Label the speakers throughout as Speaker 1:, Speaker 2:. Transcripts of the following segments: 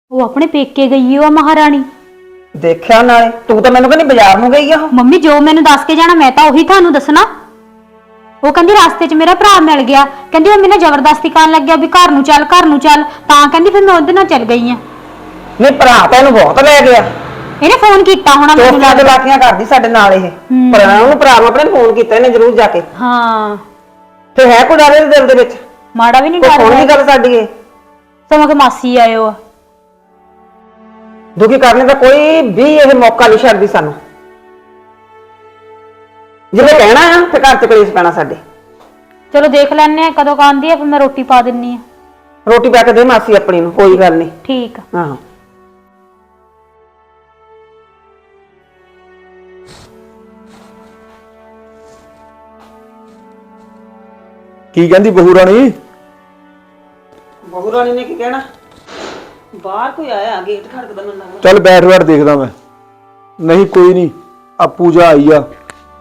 Speaker 1: ਉਹ ਆਪਣੇ ਪੇਕੇ ਗਈ ਉਹ ਮਹਾਰਾਣੀ।
Speaker 2: ਦੇਖਿਆ ਨਾਲੇ ਤੂੰ ਤਾਂ ਮੈਨੂੰ ਕਹਿੰਦੀ ਬਾਜ਼ਾਰ ਨੂੰ ਗਈ ਆ ਉਹ।
Speaker 1: ਮੰਮੀ ਜੋ ਮੈਨੂੰ ਦੱਸ ਕੇ ਜਾਣਾ ਮੈਂ ਤਾਂ ਉਹੀ ਤੁਹਾਨੂੰ ਦੱਸਣਾ। ਉਹ ਕਹਿੰਦੀ ਰਸਤੇ 'ਚ ਮੇਰਾ ਭਰਾ ਮਿਲ ਗਿਆ, ਕਹਿੰਦੀ ਉਹ ਮੈਨੂੰ ਜ਼ਬਰਦਸਤੀ ਕਰਨ ਲੱਗਿਆ ਵੀ ਘਰ ਨੂੰ ਚੱਲ ਤਾਂ ਕਹਿੰਦੀ ਫਿਰ ਮੈਂ ਉਹਦੇ ਨਾਲ ਚੱਲ ਗਈ ਆ।
Speaker 2: ਨਹੀਂ ਭਰਾ ਤਾਂ ਇਹਨੂੰ ਬਹੁਤ ਲੈ ਗਿਆ।
Speaker 1: ਇਹਨੇ ਫੋਨ ਕੀਤਾ ਹੋਣਾ ਮੈਨੂੰ
Speaker 2: ਲੱਗਦਾ ਲਾਤੀਆਂ ਕਰਦੀ ਸਾਡੇ ਨਾਲ ਇਹ। ਪਰ ਉਹਨੂੰ ਭਰਾ ਨੂੰ ਆਪਣੇ ਫੋਨ ਕੀਤਾ ਇਹਨੇ ਜ਼ਰੂਰ ਜਾ ਕੇ।
Speaker 1: ਹਾਂ
Speaker 2: ਤੇ ਹੈ ਕੋਈ ਡਰ ਇਹਦੇ ਦਿਲ ਦੇ ਵਿੱਚ?
Speaker 1: ਮਾੜਾ ਵੀ ਨਹੀਂ
Speaker 2: ਡਰ। ਫੋਨ ਨਹੀਂ ਕਰ ਸਾਡੀ ਇਹ
Speaker 1: ਸਮਾਂ ਕਿ ਮਾਸੀ ਆਇਓ ਆ।
Speaker 2: ਦੁਖੀ ਕਰਨੇ ਦਾ ਕੋਈ ਵੀ ਇਹ ਮੌਕਾ ਨਹੀਂ ਛੱਡਦੀ ਸਾਨੂੰ। ਜਿਵੇਂ ਕਹਿਣਾ ਆ ਤੇ ਘਰ ਚ ਕਲੇਸ਼ ਪੈਣਾ ਸਾਡੇ।
Speaker 1: ਚਲੋ ਦੇਖ ਲੈਣੇ ਆ ਕਦੋਂ ਆਉਂਦੀ ਆ, ਫਿਰ ਮੈਂ ਰੋਟੀ ਪਾ ਦਿੰਨੀ ਆ।
Speaker 2: ਰੋਟੀ ਪਾ ਕੇ ਦੇ ਮਾਸੀ ਆਪਣੀ ਨੂੰ, ਕੋਈ ਗੱਲ ਨਹੀਂ।
Speaker 1: ਠੀਕ ਆ।
Speaker 2: ਹਾਂ
Speaker 3: ਕੀ ਕਹਿੰਦੀ ਬਹੂ ਰਾਣੀ?
Speaker 2: ਬਹੂ ਰਾਣੀ ਨੇ ਕੀ ਕਹਿਣਾ? ਬਾਹਰ ਕੋਈ ਆਇਆ, ਗੇਟ ਖੜਕਦਾ ਮੈਨੂੰ ਲੱਗਦਾ।
Speaker 3: ਚੱਲ ਬੈਠ ਦੇਖਦਾ ਮੈਂ। ਨਹੀਂ ਕੋਈ ਨਹੀਂ, ਆ ਪੂਜਾ ਆਈ ਆ।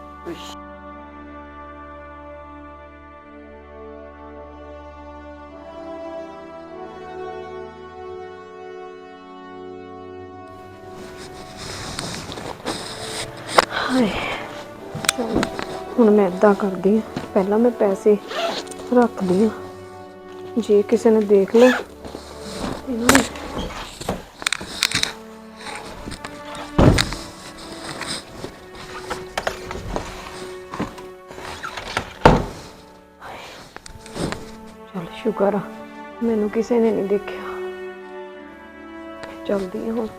Speaker 4: ਹੁਣ ਮੈਂ ਇਦਾਂ ਕਰਦੀ ਆ, ਪਹਿਲਾਂ ਮੈਂ ਪੈਸੇ ਰੱਖਦੀ ਆ, ਜੇ ਕਿਸੇ ਨੇ ਦੇਖ ਲਿਆ ਇਹਨਾਂ ਨੇ ਚਲ ਸ਼ੁਕਰ ਆ ਮੈਨੂੰ ਕਿਸੇ ਨੇ ਨਹੀਂ ਦੇਖਿਆ। ਚਲਦੀ ਆ ਹੁਣ।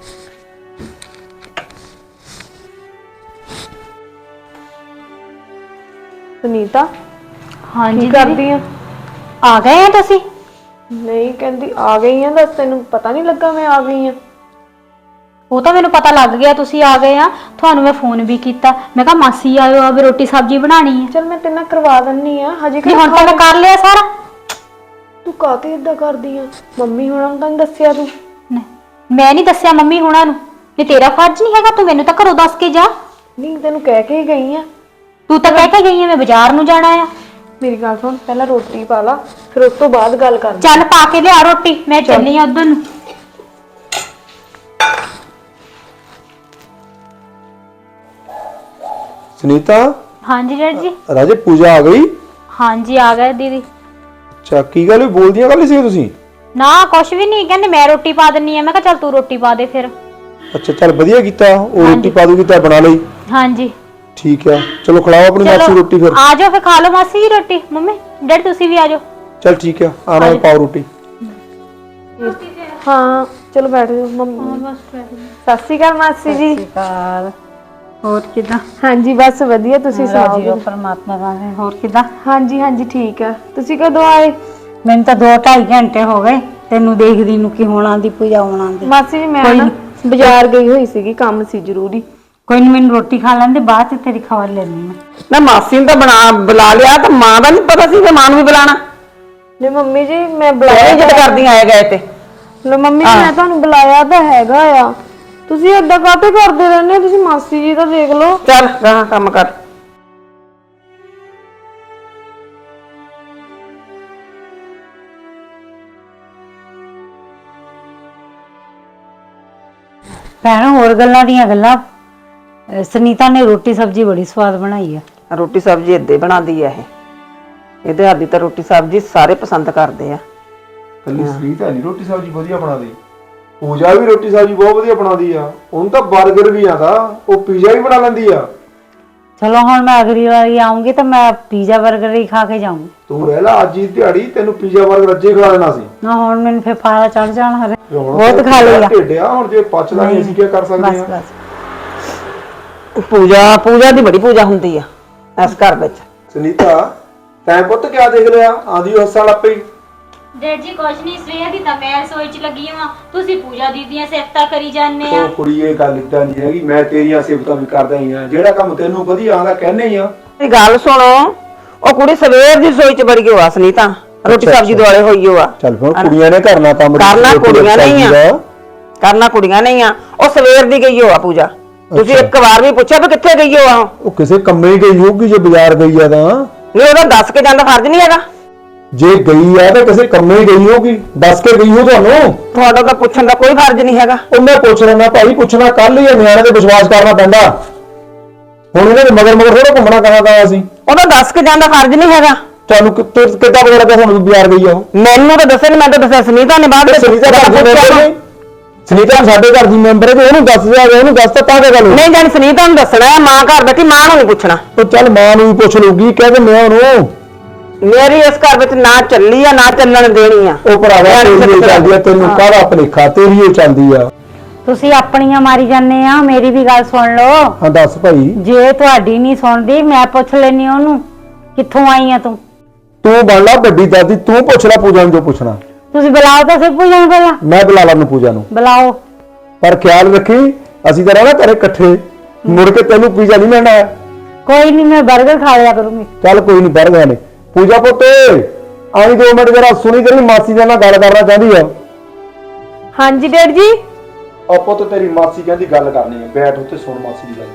Speaker 4: ਸੁਨੀਤਾ
Speaker 1: ਹਾਂਜੀ
Speaker 4: ਕੀ ਕਰਦੀ ਆ?
Speaker 1: ਆ ਗਏ ਆ ਤੁਸੀਂ?
Speaker 4: ਨਹੀਂ ਕਹਿੰਦੀ ਆ ਗਈ ਆ, ਦੱਸ ਤੈਨੂੰ ਪਤਾ ਨਹੀਂ ਲੱਗਾ ਮੈਂ ਆ ਗਈ ਆ?
Speaker 1: ਉਹ ਤਾਂ ਮੈਨੂੰ ਪਤਾ ਲੱਗ ਗਿਆ ਤੁਸੀਂ ਆ ਗਏ ਆ। ਤੁਹਾਨੂੰ ਮੈਂ ਫੋਨ ਵੀ ਕੀਤਾ, ਮੈਂ ਕਿਹਾ ਮਾਸੀ ਆਇਓ ਆ ਵੀ ਰੋਟੀ ਸਬਜ਼ੀ ਬਣਾਣੀ ਹੈ।
Speaker 4: ਚਲ ਮੈਂ ਤੇਰੇ ਨਾਲ ਕਰਵਾ ਦਿੰਨੀ ਆ, ਹਜੇ
Speaker 1: ਨਹੀਂ ਹੁਣ ਤਾਂ ਮੈਂ ਕਰ ਲਿਆ ਸਾਰਾ।
Speaker 4: ਤੂੰ ਕਾਹਤੇ ਏਦਾਂ ਕਰਦੀ ਆ? ਮੰਮੀ ਹੁਣਾਂ ਨੂੰ ਤਾਂ ਨੀ ਦੱਸਿਆ ਤੂੰ?
Speaker 1: ਮੈਂ ਨਹੀਂ ਦੱਸਿਆ ਮੰਮੀ ਹੁਣਾਂ ਨੂੰ, ਇਹ ਤੇਰਾ ਫਰਜ਼ ਨਹੀਂ ਹੈਗਾ, ਤੂੰ ਮੈਨੂੰ ਤਾਂ ਘਰੋਂ ਦੱਸ ਕੇ ਜਾ।
Speaker 4: ਨਹੀਂ ਤੈਨੂੰ ਕਹਿ ਕੇ ਹੀ ਗਈ ਆ।
Speaker 1: ਤੂੰ ਤਾਂ ਕਹਿ ਕੇ ਗਈ ਆ ਮੈਂ ਬਾਜ਼ਾਰ ਨੂੰ ਜਾਣਾ ਆ।
Speaker 4: ਮੇਰੀ ਗੱਲ ਸੁਣ, ਪਹਿਲਾਂ ਰੋਟੀ ਪਾ ਲਾ, ਫਿਰ ਉਸ ਤੋਂ ਬਾਅਦ ਗੱਲ ਕਰਦੇ।
Speaker 1: ਚੱਲ ਪਾ ਕੇ ਲਿਆ ਰੋਟੀ, ਮੈਂ ਚੱਲੀ ਆ ਉਧਰ ਨੂੰ।
Speaker 3: ਸੁਨੀਤਾ।
Speaker 1: ਹਾਂਜੀ ਡੈਡ ਜੀ।
Speaker 3: ਰਾਜੇ ਪੂਜਾ ਆ ਗਈ?
Speaker 1: ਹਾਂਜੀ ਆ ਗਏ ਦੀਦੀ।
Speaker 3: ਅੱਛਾ ਕੀ ਗੱਲ ਬੋਲਦੀਆਂ ਗੱਲ ਸੀ ਤੁਸੀਂ?
Speaker 1: ਨਾ ਕੁਛ ਵੀ ਨਹੀਂ, ਕਹਿੰਦੇ ਮੈਂ ਰੋਟੀ ਪਾ ਦਿੰਨੀ ਆ। ਮੈਂ ਕਿਹਾ ਚੱਲ ਤੂੰ ਰੋਟੀ ਪਾ ਦੇ ਫਿਰ।
Speaker 3: ਅੱਛਾ ਚੱਲ ਵਧੀਆ ਕੀਤਾ, ਉਹ ਰੋਟੀ ਪਾ ਦੂਗੀ ਤਾਂ ਬਣਾ ਲਈ।
Speaker 1: ਹਾਂਜੀ
Speaker 3: ਠੀਕ ਆ, ਚਲੋ ਖਿਲਾਓ ਆਪਣੀ ਮਾਸੀ ਰੋਟੀ ਫਿਰ।
Speaker 1: ਆ ਜਾਓ ਫਿਰ ਖਾ ਲਓ ਮਾਸੀ ਜੀ ਰੋਟੀ। ਮੰਮੀ ਡੈਡ ਤੁਸੀਂ ਵੀ ਆ ਜਾਓ।
Speaker 3: ਚੱਲ ਠੀਕ ਆ, ਆਣਾ ਪਾਓ ਰੋਟੀ।
Speaker 4: ਹਾਂ ਚਲੋ ਬੈਠ ਜਾਓ ਮੰਮੀ। ਸਤਿ ਸ਼੍ਰੀ ਅਕਾਲ ਮਾਸੀ ਜੀ।
Speaker 5: ਹੋਰ ਕਿਦਾਂ?
Speaker 4: ਹਾਂਜੀ ਬਸ ਵਧੀਆ, ਤੁਸੀਂ ਸੁਣਾਓ?
Speaker 5: ਪਰਮਾਤਮਾ ਦਾ ਹੋਰ ਕਿਦਾਂ?
Speaker 4: ਹਾਂਜੀ ਹਾਂਜੀ ਠੀਕ ਆ। ਤੁਸੀਂ ਕਦੋਂ ਆਏ?
Speaker 5: ਮੈਨੂੰ ਤਾਂ 2-2.5 ਘੰਟੇ ਹੋ ਗਏ ਤੈਨੂੰ ਦੇਖਦੀ ਨੂੰ ਕਿ ਹੁਣ ਆਂਦੀ ਪੂਜਾ ਹੁਣ ਆਂਦੀ।
Speaker 4: ਮਾਸੀ ਜੀ ਮੈਂ ਨਾ ਬਾਜ਼ਾਰ ਗਈ ਹੋਈ ਸੀਗੀ, ਕੰਮ ਸੀ ਜ਼ਰੂਰੀ।
Speaker 5: ਕੋਈ ਨਹੀਂ, ਮੈਨੂੰ ਰੋਟੀ ਖਾ ਲੈਂਦੇ, ਬਾਅਦ ਚ ਤੇਰੀ ਖਬਰ ਲੈਣੀ ਮੈਂ।
Speaker 2: ਨਾ ਮਾਸੀ ਨੂੰ ਤਾਂ ਬੁਲਾ ਲਿਆ, ਤਾਂ ਮਾਂ ਦਾ ਨਹੀਂ ਪਤਾ ਸੀ ਕਿ ਮਾਂ ਨੂੰ ਵੀ ਬੁਲਾਣਾ।
Speaker 4: ਨਹੀਂ ਮੰਮੀ ਜੀ ਮੈਂ ਬੁਲਾਇਆ
Speaker 2: ਜਿੱਦ ਕਰਦੀਆਂ ਆਏ ਗਏ ਤੇ।
Speaker 4: ਲੋ ਮੰਮੀ ਜੀ ਮੈਂ ਤੁਹਾਨੂੰ ਬੁਲਾਇਆ ਤਾਂ ਹੈਗਾ ਆ, ਤੁਸੀਂ ਏਦਾਂ ਕਾਹਤੇ ਕਰਦੇ ਰਹਿੰਦੇ ਹੋ? ਤੁਸੀਂ ਮਾਸੀ ਜੀ ਦਾ ਦੇਖ ਲਓ।
Speaker 2: ਚੱਲ ਗਾਹਾਂ ਕੰਮ ਕਰ।
Speaker 5: ਭੈਣ ਹੋਰ ਗੱਲਾਂ ਦੀਆਂ ਗੱਲਾਂ, ਸੁਨੀਤਾ ਨੇ ਰੋਟੀ ਸਬਜ਼ੀ ਬੜੀ ਸਵਾਦ ਬਣਾਈ ਆ।
Speaker 2: ਰੋਟੀ ਸਬਜ਼ੀ ਏਦਾਂ ਹੀ ਬਣਾਉਂਦੀ ਆ ਇਹ। ਇਹਦੇ ਹੱਥ ਦੀ ਤਾਂ ਰੋਟੀ ਸਬਜ਼ੀ ਸਾਰੇ ਪਸੰਦ ਕਰਦੇ ਆ।
Speaker 3: ਕੱਲੀ ਸੁਨੀਤਾ ਨਹੀਂ ਰੋਟੀ ਸਬਜ਼ੀ ਵਧੀਆ ਬਣਾਦੀ, ਪੂਜਾ ਵੀ ਰੋਟੀ ਸਬਜ਼ੀ ਬਹੁਤ ਵਧੀਆ ਬਣਾਦੀ ਆ। ਉਹਨੂੰ ਤਾਂ 버ਗਰ ਵੀ ਆਂਦਾ, ਉਹ ਪੀਜ਼ਾ ਵੀ ਬਣਾ ਲੈਂਦੀ ਆ।
Speaker 5: ਚਲੋ ਹੁਣ ਮੈਂ ਅਗਲੀ ਵਾਰੀ ਆਉਂਗੀ ਤਾਂ ਮੈਂ ਪੀਜ਼ਾ 버ਗਰ ਹੀ ਖਾ ਕੇ ਜਾਊਂਗੀ।
Speaker 3: ਤੂੰ ਰਹਿ ਲਾ ਅੱਜ ਦੀ ਦਿਹਾੜੀ, ਤੈਨੂੰ ਪੀਜ਼ਾ 버ਗਰ ਅੱਜੇ ਖਿਲਾ ਦੇਣਾ ਸੀ
Speaker 5: ਨਾ ਹੁਣ ਮੈਨੂੰ ਫੇਰ ਫਾਲਾ ਚੜ ਜਾਣਾ ਹਰੇ।
Speaker 3: ਬਹੁਤ ਖਾ ਲਿਆ ਢਿੱਡਿਆ, ਹੁਣ ਜੇ ਪਚਦਾ ਨਹੀਂ ਅਸੀਂ ਕੀ ਕਰ ਸਕਦੇ ਆ?
Speaker 2: ਪੂਜਾ ਦੀ ਬੜੀ ਪੂਜਾ ਹੁੰਦੀ ਆ ਇਸ ਘਰ ਵਿੱਚ।
Speaker 3: ਸੁਨੀਤਾ ਤੈਂ ਪੁੱਤ ਕਿਆ ਦੇਖ ਲਿਆ? ਆਂਦੀ ਹੱਸਣ ਲੱਗ ਪਈ।
Speaker 1: ਡੈਡ ਜੀ ਕੁਛ ਨਹੀਂ, ਸਵੇਰ ਦੀ ਤਾਂ ਮੈਂ ਰਸੋਈ 'ਚ ਲੱਗੀ ਹਾਂ। ਤੁਸੀਂ ਪੂਜਾ ਦੀਦੀਆਂ ਸਿਫਤਾਂ ਕਰੀ ਜਾਂਦੇ ਆ।
Speaker 3: ਉਹ ਕੁੜੀ ਇਹ ਗੱਲ ਇਦਾਂ ਨਹੀਂ ਹੈਗੀ, ਮੈਂ ਤੇਰੀਆਂ ਸਿਫਤਾਂ ਵੀ ਕਰਦਾ ਹੀ ਆ। ਜਿਹੜਾ ਕੰਮ ਤੈਨੂੰ ਵਧੀਆ ਆਂਦਾ ਕਹਿੰਦੇ ਹੀ ਆ।
Speaker 2: ਇਹ ਗੱਲ ਸੁਣੋ, ਉਹ ਕੁੜੀ ਸਵੇਰ ਦੀ ਰਸੋਈ 'ਚ ਵੜ ਗਈ ਹੋਆ ਸੁਨੀਤਾ, ਰੋਟੀ ਸਬਜ਼ੀ ਦੁਆਲੇ ਹੋਈ ਹੋਆ।
Speaker 3: ਚੱਲ ਫਿਰ ਕੁੜੀਆਂ ਨੇ ਕਰਨਾ ਕੰਮ,
Speaker 2: ਕਰਨਾ ਕੁੜੀਆਂ ਨਹੀਂ ਆ, ਕਰਨਾ ਕੁੜੀਆਂ ਨਹੀਂ ਆ। ਉਹ ਸਵੇਰ ਦੀ ਗਈ ਹੋਆ ਪੂਜਾ। ਤੁਸੀਂ ਇੱਕ ਵਾਰ ਵੀ ਪੁੱਛਿਆ ਵੀ ਕਿੱਥੇ ਗਈ ਹੋਆ?
Speaker 3: ਉਹ ਕਿਸੇ ਕੰਮੇ ਗਈ ਹੋਊਗੀ, ਜੇ ਬਾਜ਼ਾਰ ਗਈ ਆ ਤਾਂ।
Speaker 2: ਨਹੀਂ ਉਹਦਾ ਦੱਸ ਕੇ ਜਾਂਦਾ ਫਰਜ਼ ਨਹੀਂ ਹੈਗਾ।
Speaker 3: ਜੇ ਗਈ ਆ ਤਾਂ ਕਿਸੇ ਕੰਮੇ ਹੀ ਗਈ ਹੋਗੀ, ਦੱਸ ਕੇ ਗਈ ਹੋ ਤੁਹਾਨੂੰ।
Speaker 2: ਤੁਹਾਡਾ ਤਾਂ ਪੁੱਛਣ ਦਾ ਕੋਈ ਫਰਜ਼ ਨਹੀਂ ਹੈਗਾ।
Speaker 3: ਉਹ ਮੈਂ ਪੁੱਛ ਲੈਣਾ ਭਾਈ, ਪੁੱਛਣਾ ਕੱਲ ਹੀ ਆ, ਨਿਆਣੇ ਤੇ ਵਿਸ਼ਵਾਸ ਕਰਨਾ ਪੈਂਦਾ। ਹੁਣ ਇਹਨਾਂ ਦੇ ਮਗਰ ਮਗਰ ਥੋੜਾ ਘੁੰਮਣਾ ਕਹਾਂ ਸੀ।
Speaker 2: ਉਹਦਾ ਦੱਸ ਕੇ ਜਾਂਦਾ ਫਰਜ਼ ਨਹੀਂ ਹੈਗਾ।
Speaker 3: ਤੁਹਾਨੂੰ ਕਿੱਦਾਂ ਪਤਾ ਲੱਗਾ ਤੁਹਾਨੂੰ ਬਿਆਰ ਗਈ ਆ ਉਹ?
Speaker 2: ਮੈਨੂੰ ਤਾਂ ਦੱਸੇ ਨਹੀਂ, ਮੈਂ ਤਾਂ ਦੱਸਿਆ ਸੁਨੀਤਾ ਨੇ ਬਾਅਦ ਵਿੱਚ।
Speaker 3: ਸੁਨੀਤਾ ਘਰ ਦੀ ਮੈਂਬਰ ਨਹੀਂ, ਸੁਨੀਤਾ ਸਾਡੇ ਘਰ ਦੀ ਮੈਂਬਰ ਹੈ ਤੇ ਉਹਨੂੰ ਦੱਸ ਦਿਆ, ਉਹਨੂੰ ਦੱਸ ਤਾਂ ਕੀ ਗੱਲ ਹੋਈ?
Speaker 2: ਨਹੀਂ ਜਾਣੀ ਸੁਨੀਤਾ ਨੂੰ ਦੱਸਣਾ ਹੈ, ਮਾਂ ਘਰ ਬੈਠੀ, ਮਾਂ ਨੂੰ ਨਹੀਂ ਪੁੱਛਣਾ।
Speaker 3: ਉਹ ਚੱਲ ਮਾਂ ਨੂੰ ਵੀ ਪੁੱਛ ਲੂਗੀ, ਕਹਿ ਦਿੰਦੇ ਆ ਉਹਨੂੰ।
Speaker 2: ਮੇਰੀ ਇਸ ਘਰ ਵਿੱਚ ਨਾ ਚੱਲੀ ਆ ਨਾ ਚੱਲਣ ਦੇਣੀ ਆ।
Speaker 3: ਉਹ ਭਰਾਵਾ ਤੇਰੀ ਹੀ ਚੱਲਦੀ ਆ, ਤੈਨੂੰ ਕਾਹਦਾ ਭਲੇਖਾ, ਤੇਰੀ ਹੀ ਚੱਲਦੀ ਆ।
Speaker 5: ਤੁਸੀਂ ਆਪਣੀਆਂ ਮਾਰੀ ਜਾਂਦੇ ਆ, ਮੇਰੀ ਵੀ ਗੱਲ ਸੁਣ ਲਓ।
Speaker 3: ਹਾਂ ਦੱਸ ਭਾਈ।
Speaker 5: ਜੇ ਤੁਹਾਡੀ ਨਹੀਂ ਸੁਣਦੀ ਮੈਂ ਪੁੱਛ ਲੈਣੀ ਉਹਨੂੰ, ਕਿੱਥੋਂ ਆਈ ਆ ਤੂੰ?
Speaker 3: ਤੂੰ ਬਣ ਲਾ ਵੱਡੀ ਦਾਦੀ, ਤੂੰ ਪੁੱਛ ਲੈ ਪੂਜਾ ਨੂੰ ਜੋ ਪੁੱਛਣਾ।
Speaker 5: ਤੁਸੀਂ ਬੁਲਾਓ ਤਾਂ ਸਿਰ ਪੂਜਾ ਨੂੰ ਪਹਿਲਾਂ।
Speaker 3: ਮੈਂ ਬੁਲਾ ਲਾਂ ਪੂਜਾ ਨੂੰ,
Speaker 5: ਬੁਲਾਓ।
Speaker 3: ਪਰ ਖਿਆਲ ਰੱਖੀ ਅਸੀਂ ਤਾਂ ਰਹਿਣਾ ਘਰੇ ਇਕੱਠੇ, ਮੁੜ ਕੇ ਤੈਨੂੰ ਪੀਜ਼ਾ ਨਹੀਂ ਮਿਲਣਾ।
Speaker 5: ਕੋਈ ਨਹੀਂ, ਮੈਂ 버ਗਰ ਖਾ ਲਿਆ ਕਰੂੰਗੀ।
Speaker 3: ਚੱਲ ਕੋਈ ਨਹੀਂ, ਬੜ ਗਏ ਨੇ। ਪੂਜਾ ਪੁੱਤ ਆਈ 2 ਮਿੰਟ ਜਰਾ, ਸੁਣੀ ਤੇਰੀ ਮਾਸੀ ਦੇ ਨਾਲ ਗੱਲ ਕਰਨਾ ਚਾਹੁੰਦੀ ਆ।
Speaker 4: ਹਾਂਜੀ ਡੈਡ ਜੀ।
Speaker 3: ਆ ਪੁੱਤ ਤੇਰੀ ਮਾਸੀ ਕਹਿੰਦੀ ਗੱਲ ਕਰਨੀ ਹੈ, ਬੈਠ ਉੱਤੇ ਸੁਣ ਮਾਸੀ ਦੀ ਗੱਲ।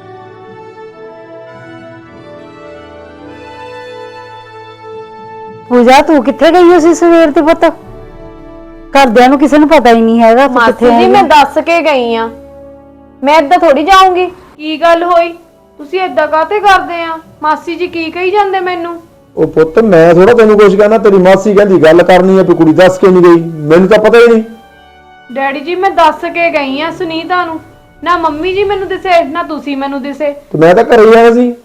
Speaker 5: ਪੂਜਾ ਤੂੰ ਕਿੱਥੇ ਗਈ ਹੋ ਸੀ ਸਵੇਰ ਤੇ ਪੁੱਤ? ਘਰਦਿਆਂ ਨੂੰ ਕਿਸੇ ਨੂੰ ਪਤਾ ਹੀ ਨਹੀਂ ਹੈਗਾ ਤੂੰ ਕਿੱਥੇ
Speaker 4: ਮਾਸੀ ਜੀ
Speaker 5: ਆਈ
Speaker 4: ਮੈਂ
Speaker 5: ਆਂ।
Speaker 4: ਦੱਸ ਕੇ ਗਈ ਆ, ਮੈਂ ਏਦਾਂ ਥੋੜੀ ਜਾਊਂਗੀ। ਕੀ ਗੱਲ ਹੋਈ, ਤੁਸੀਂ ਏਦਾਂ ਕਾਹਤੇ ਕਰਦੇ ਆ? ਮਾਸੀ ਜੀ ਕੀ ਕਹੀ ਜਾਂਦੇ ਮੈਨੂੰ?
Speaker 3: ਉਹ ਪੁੱਤ ਮੈਂ ਥੋੜਾ ਤੈਨੂੰ ਕੁਝ ਕਹਿਣਾ, ਤੇਰੀ ਮਾਸੀ ਕਹਿੰਦੀ ਗੱਲ ਕਰਨੀ ਹੈ, ਵੀ ਕੁੜੀ ਦੱਸ ਕੇ ਨਹੀਂ ਗਈ, ਮੈਨੂੰ ਤਾਂ ਪਤਾ ਹੀ ਨਹੀਂ।
Speaker 4: ਡੈਡੀ ਜੀ ਮੈਂ ਦੱਸ ਕੇ ਗਈ ਆ ਸੁਨੀਤਾ ਨੂੰ, ਨਾ ਮੰਮੀ ਜੀ ਮੈਨੂੰ ਦਿਸੇ ਨਾ ਤੁਸੀਂ ਮੈਨੂੰ ਦਿਸੇ।
Speaker 3: ਤੇ ਮੈਂ ਤਾਂ ਘਰੇ ਹੀ ਆਇਆ ਸੀ।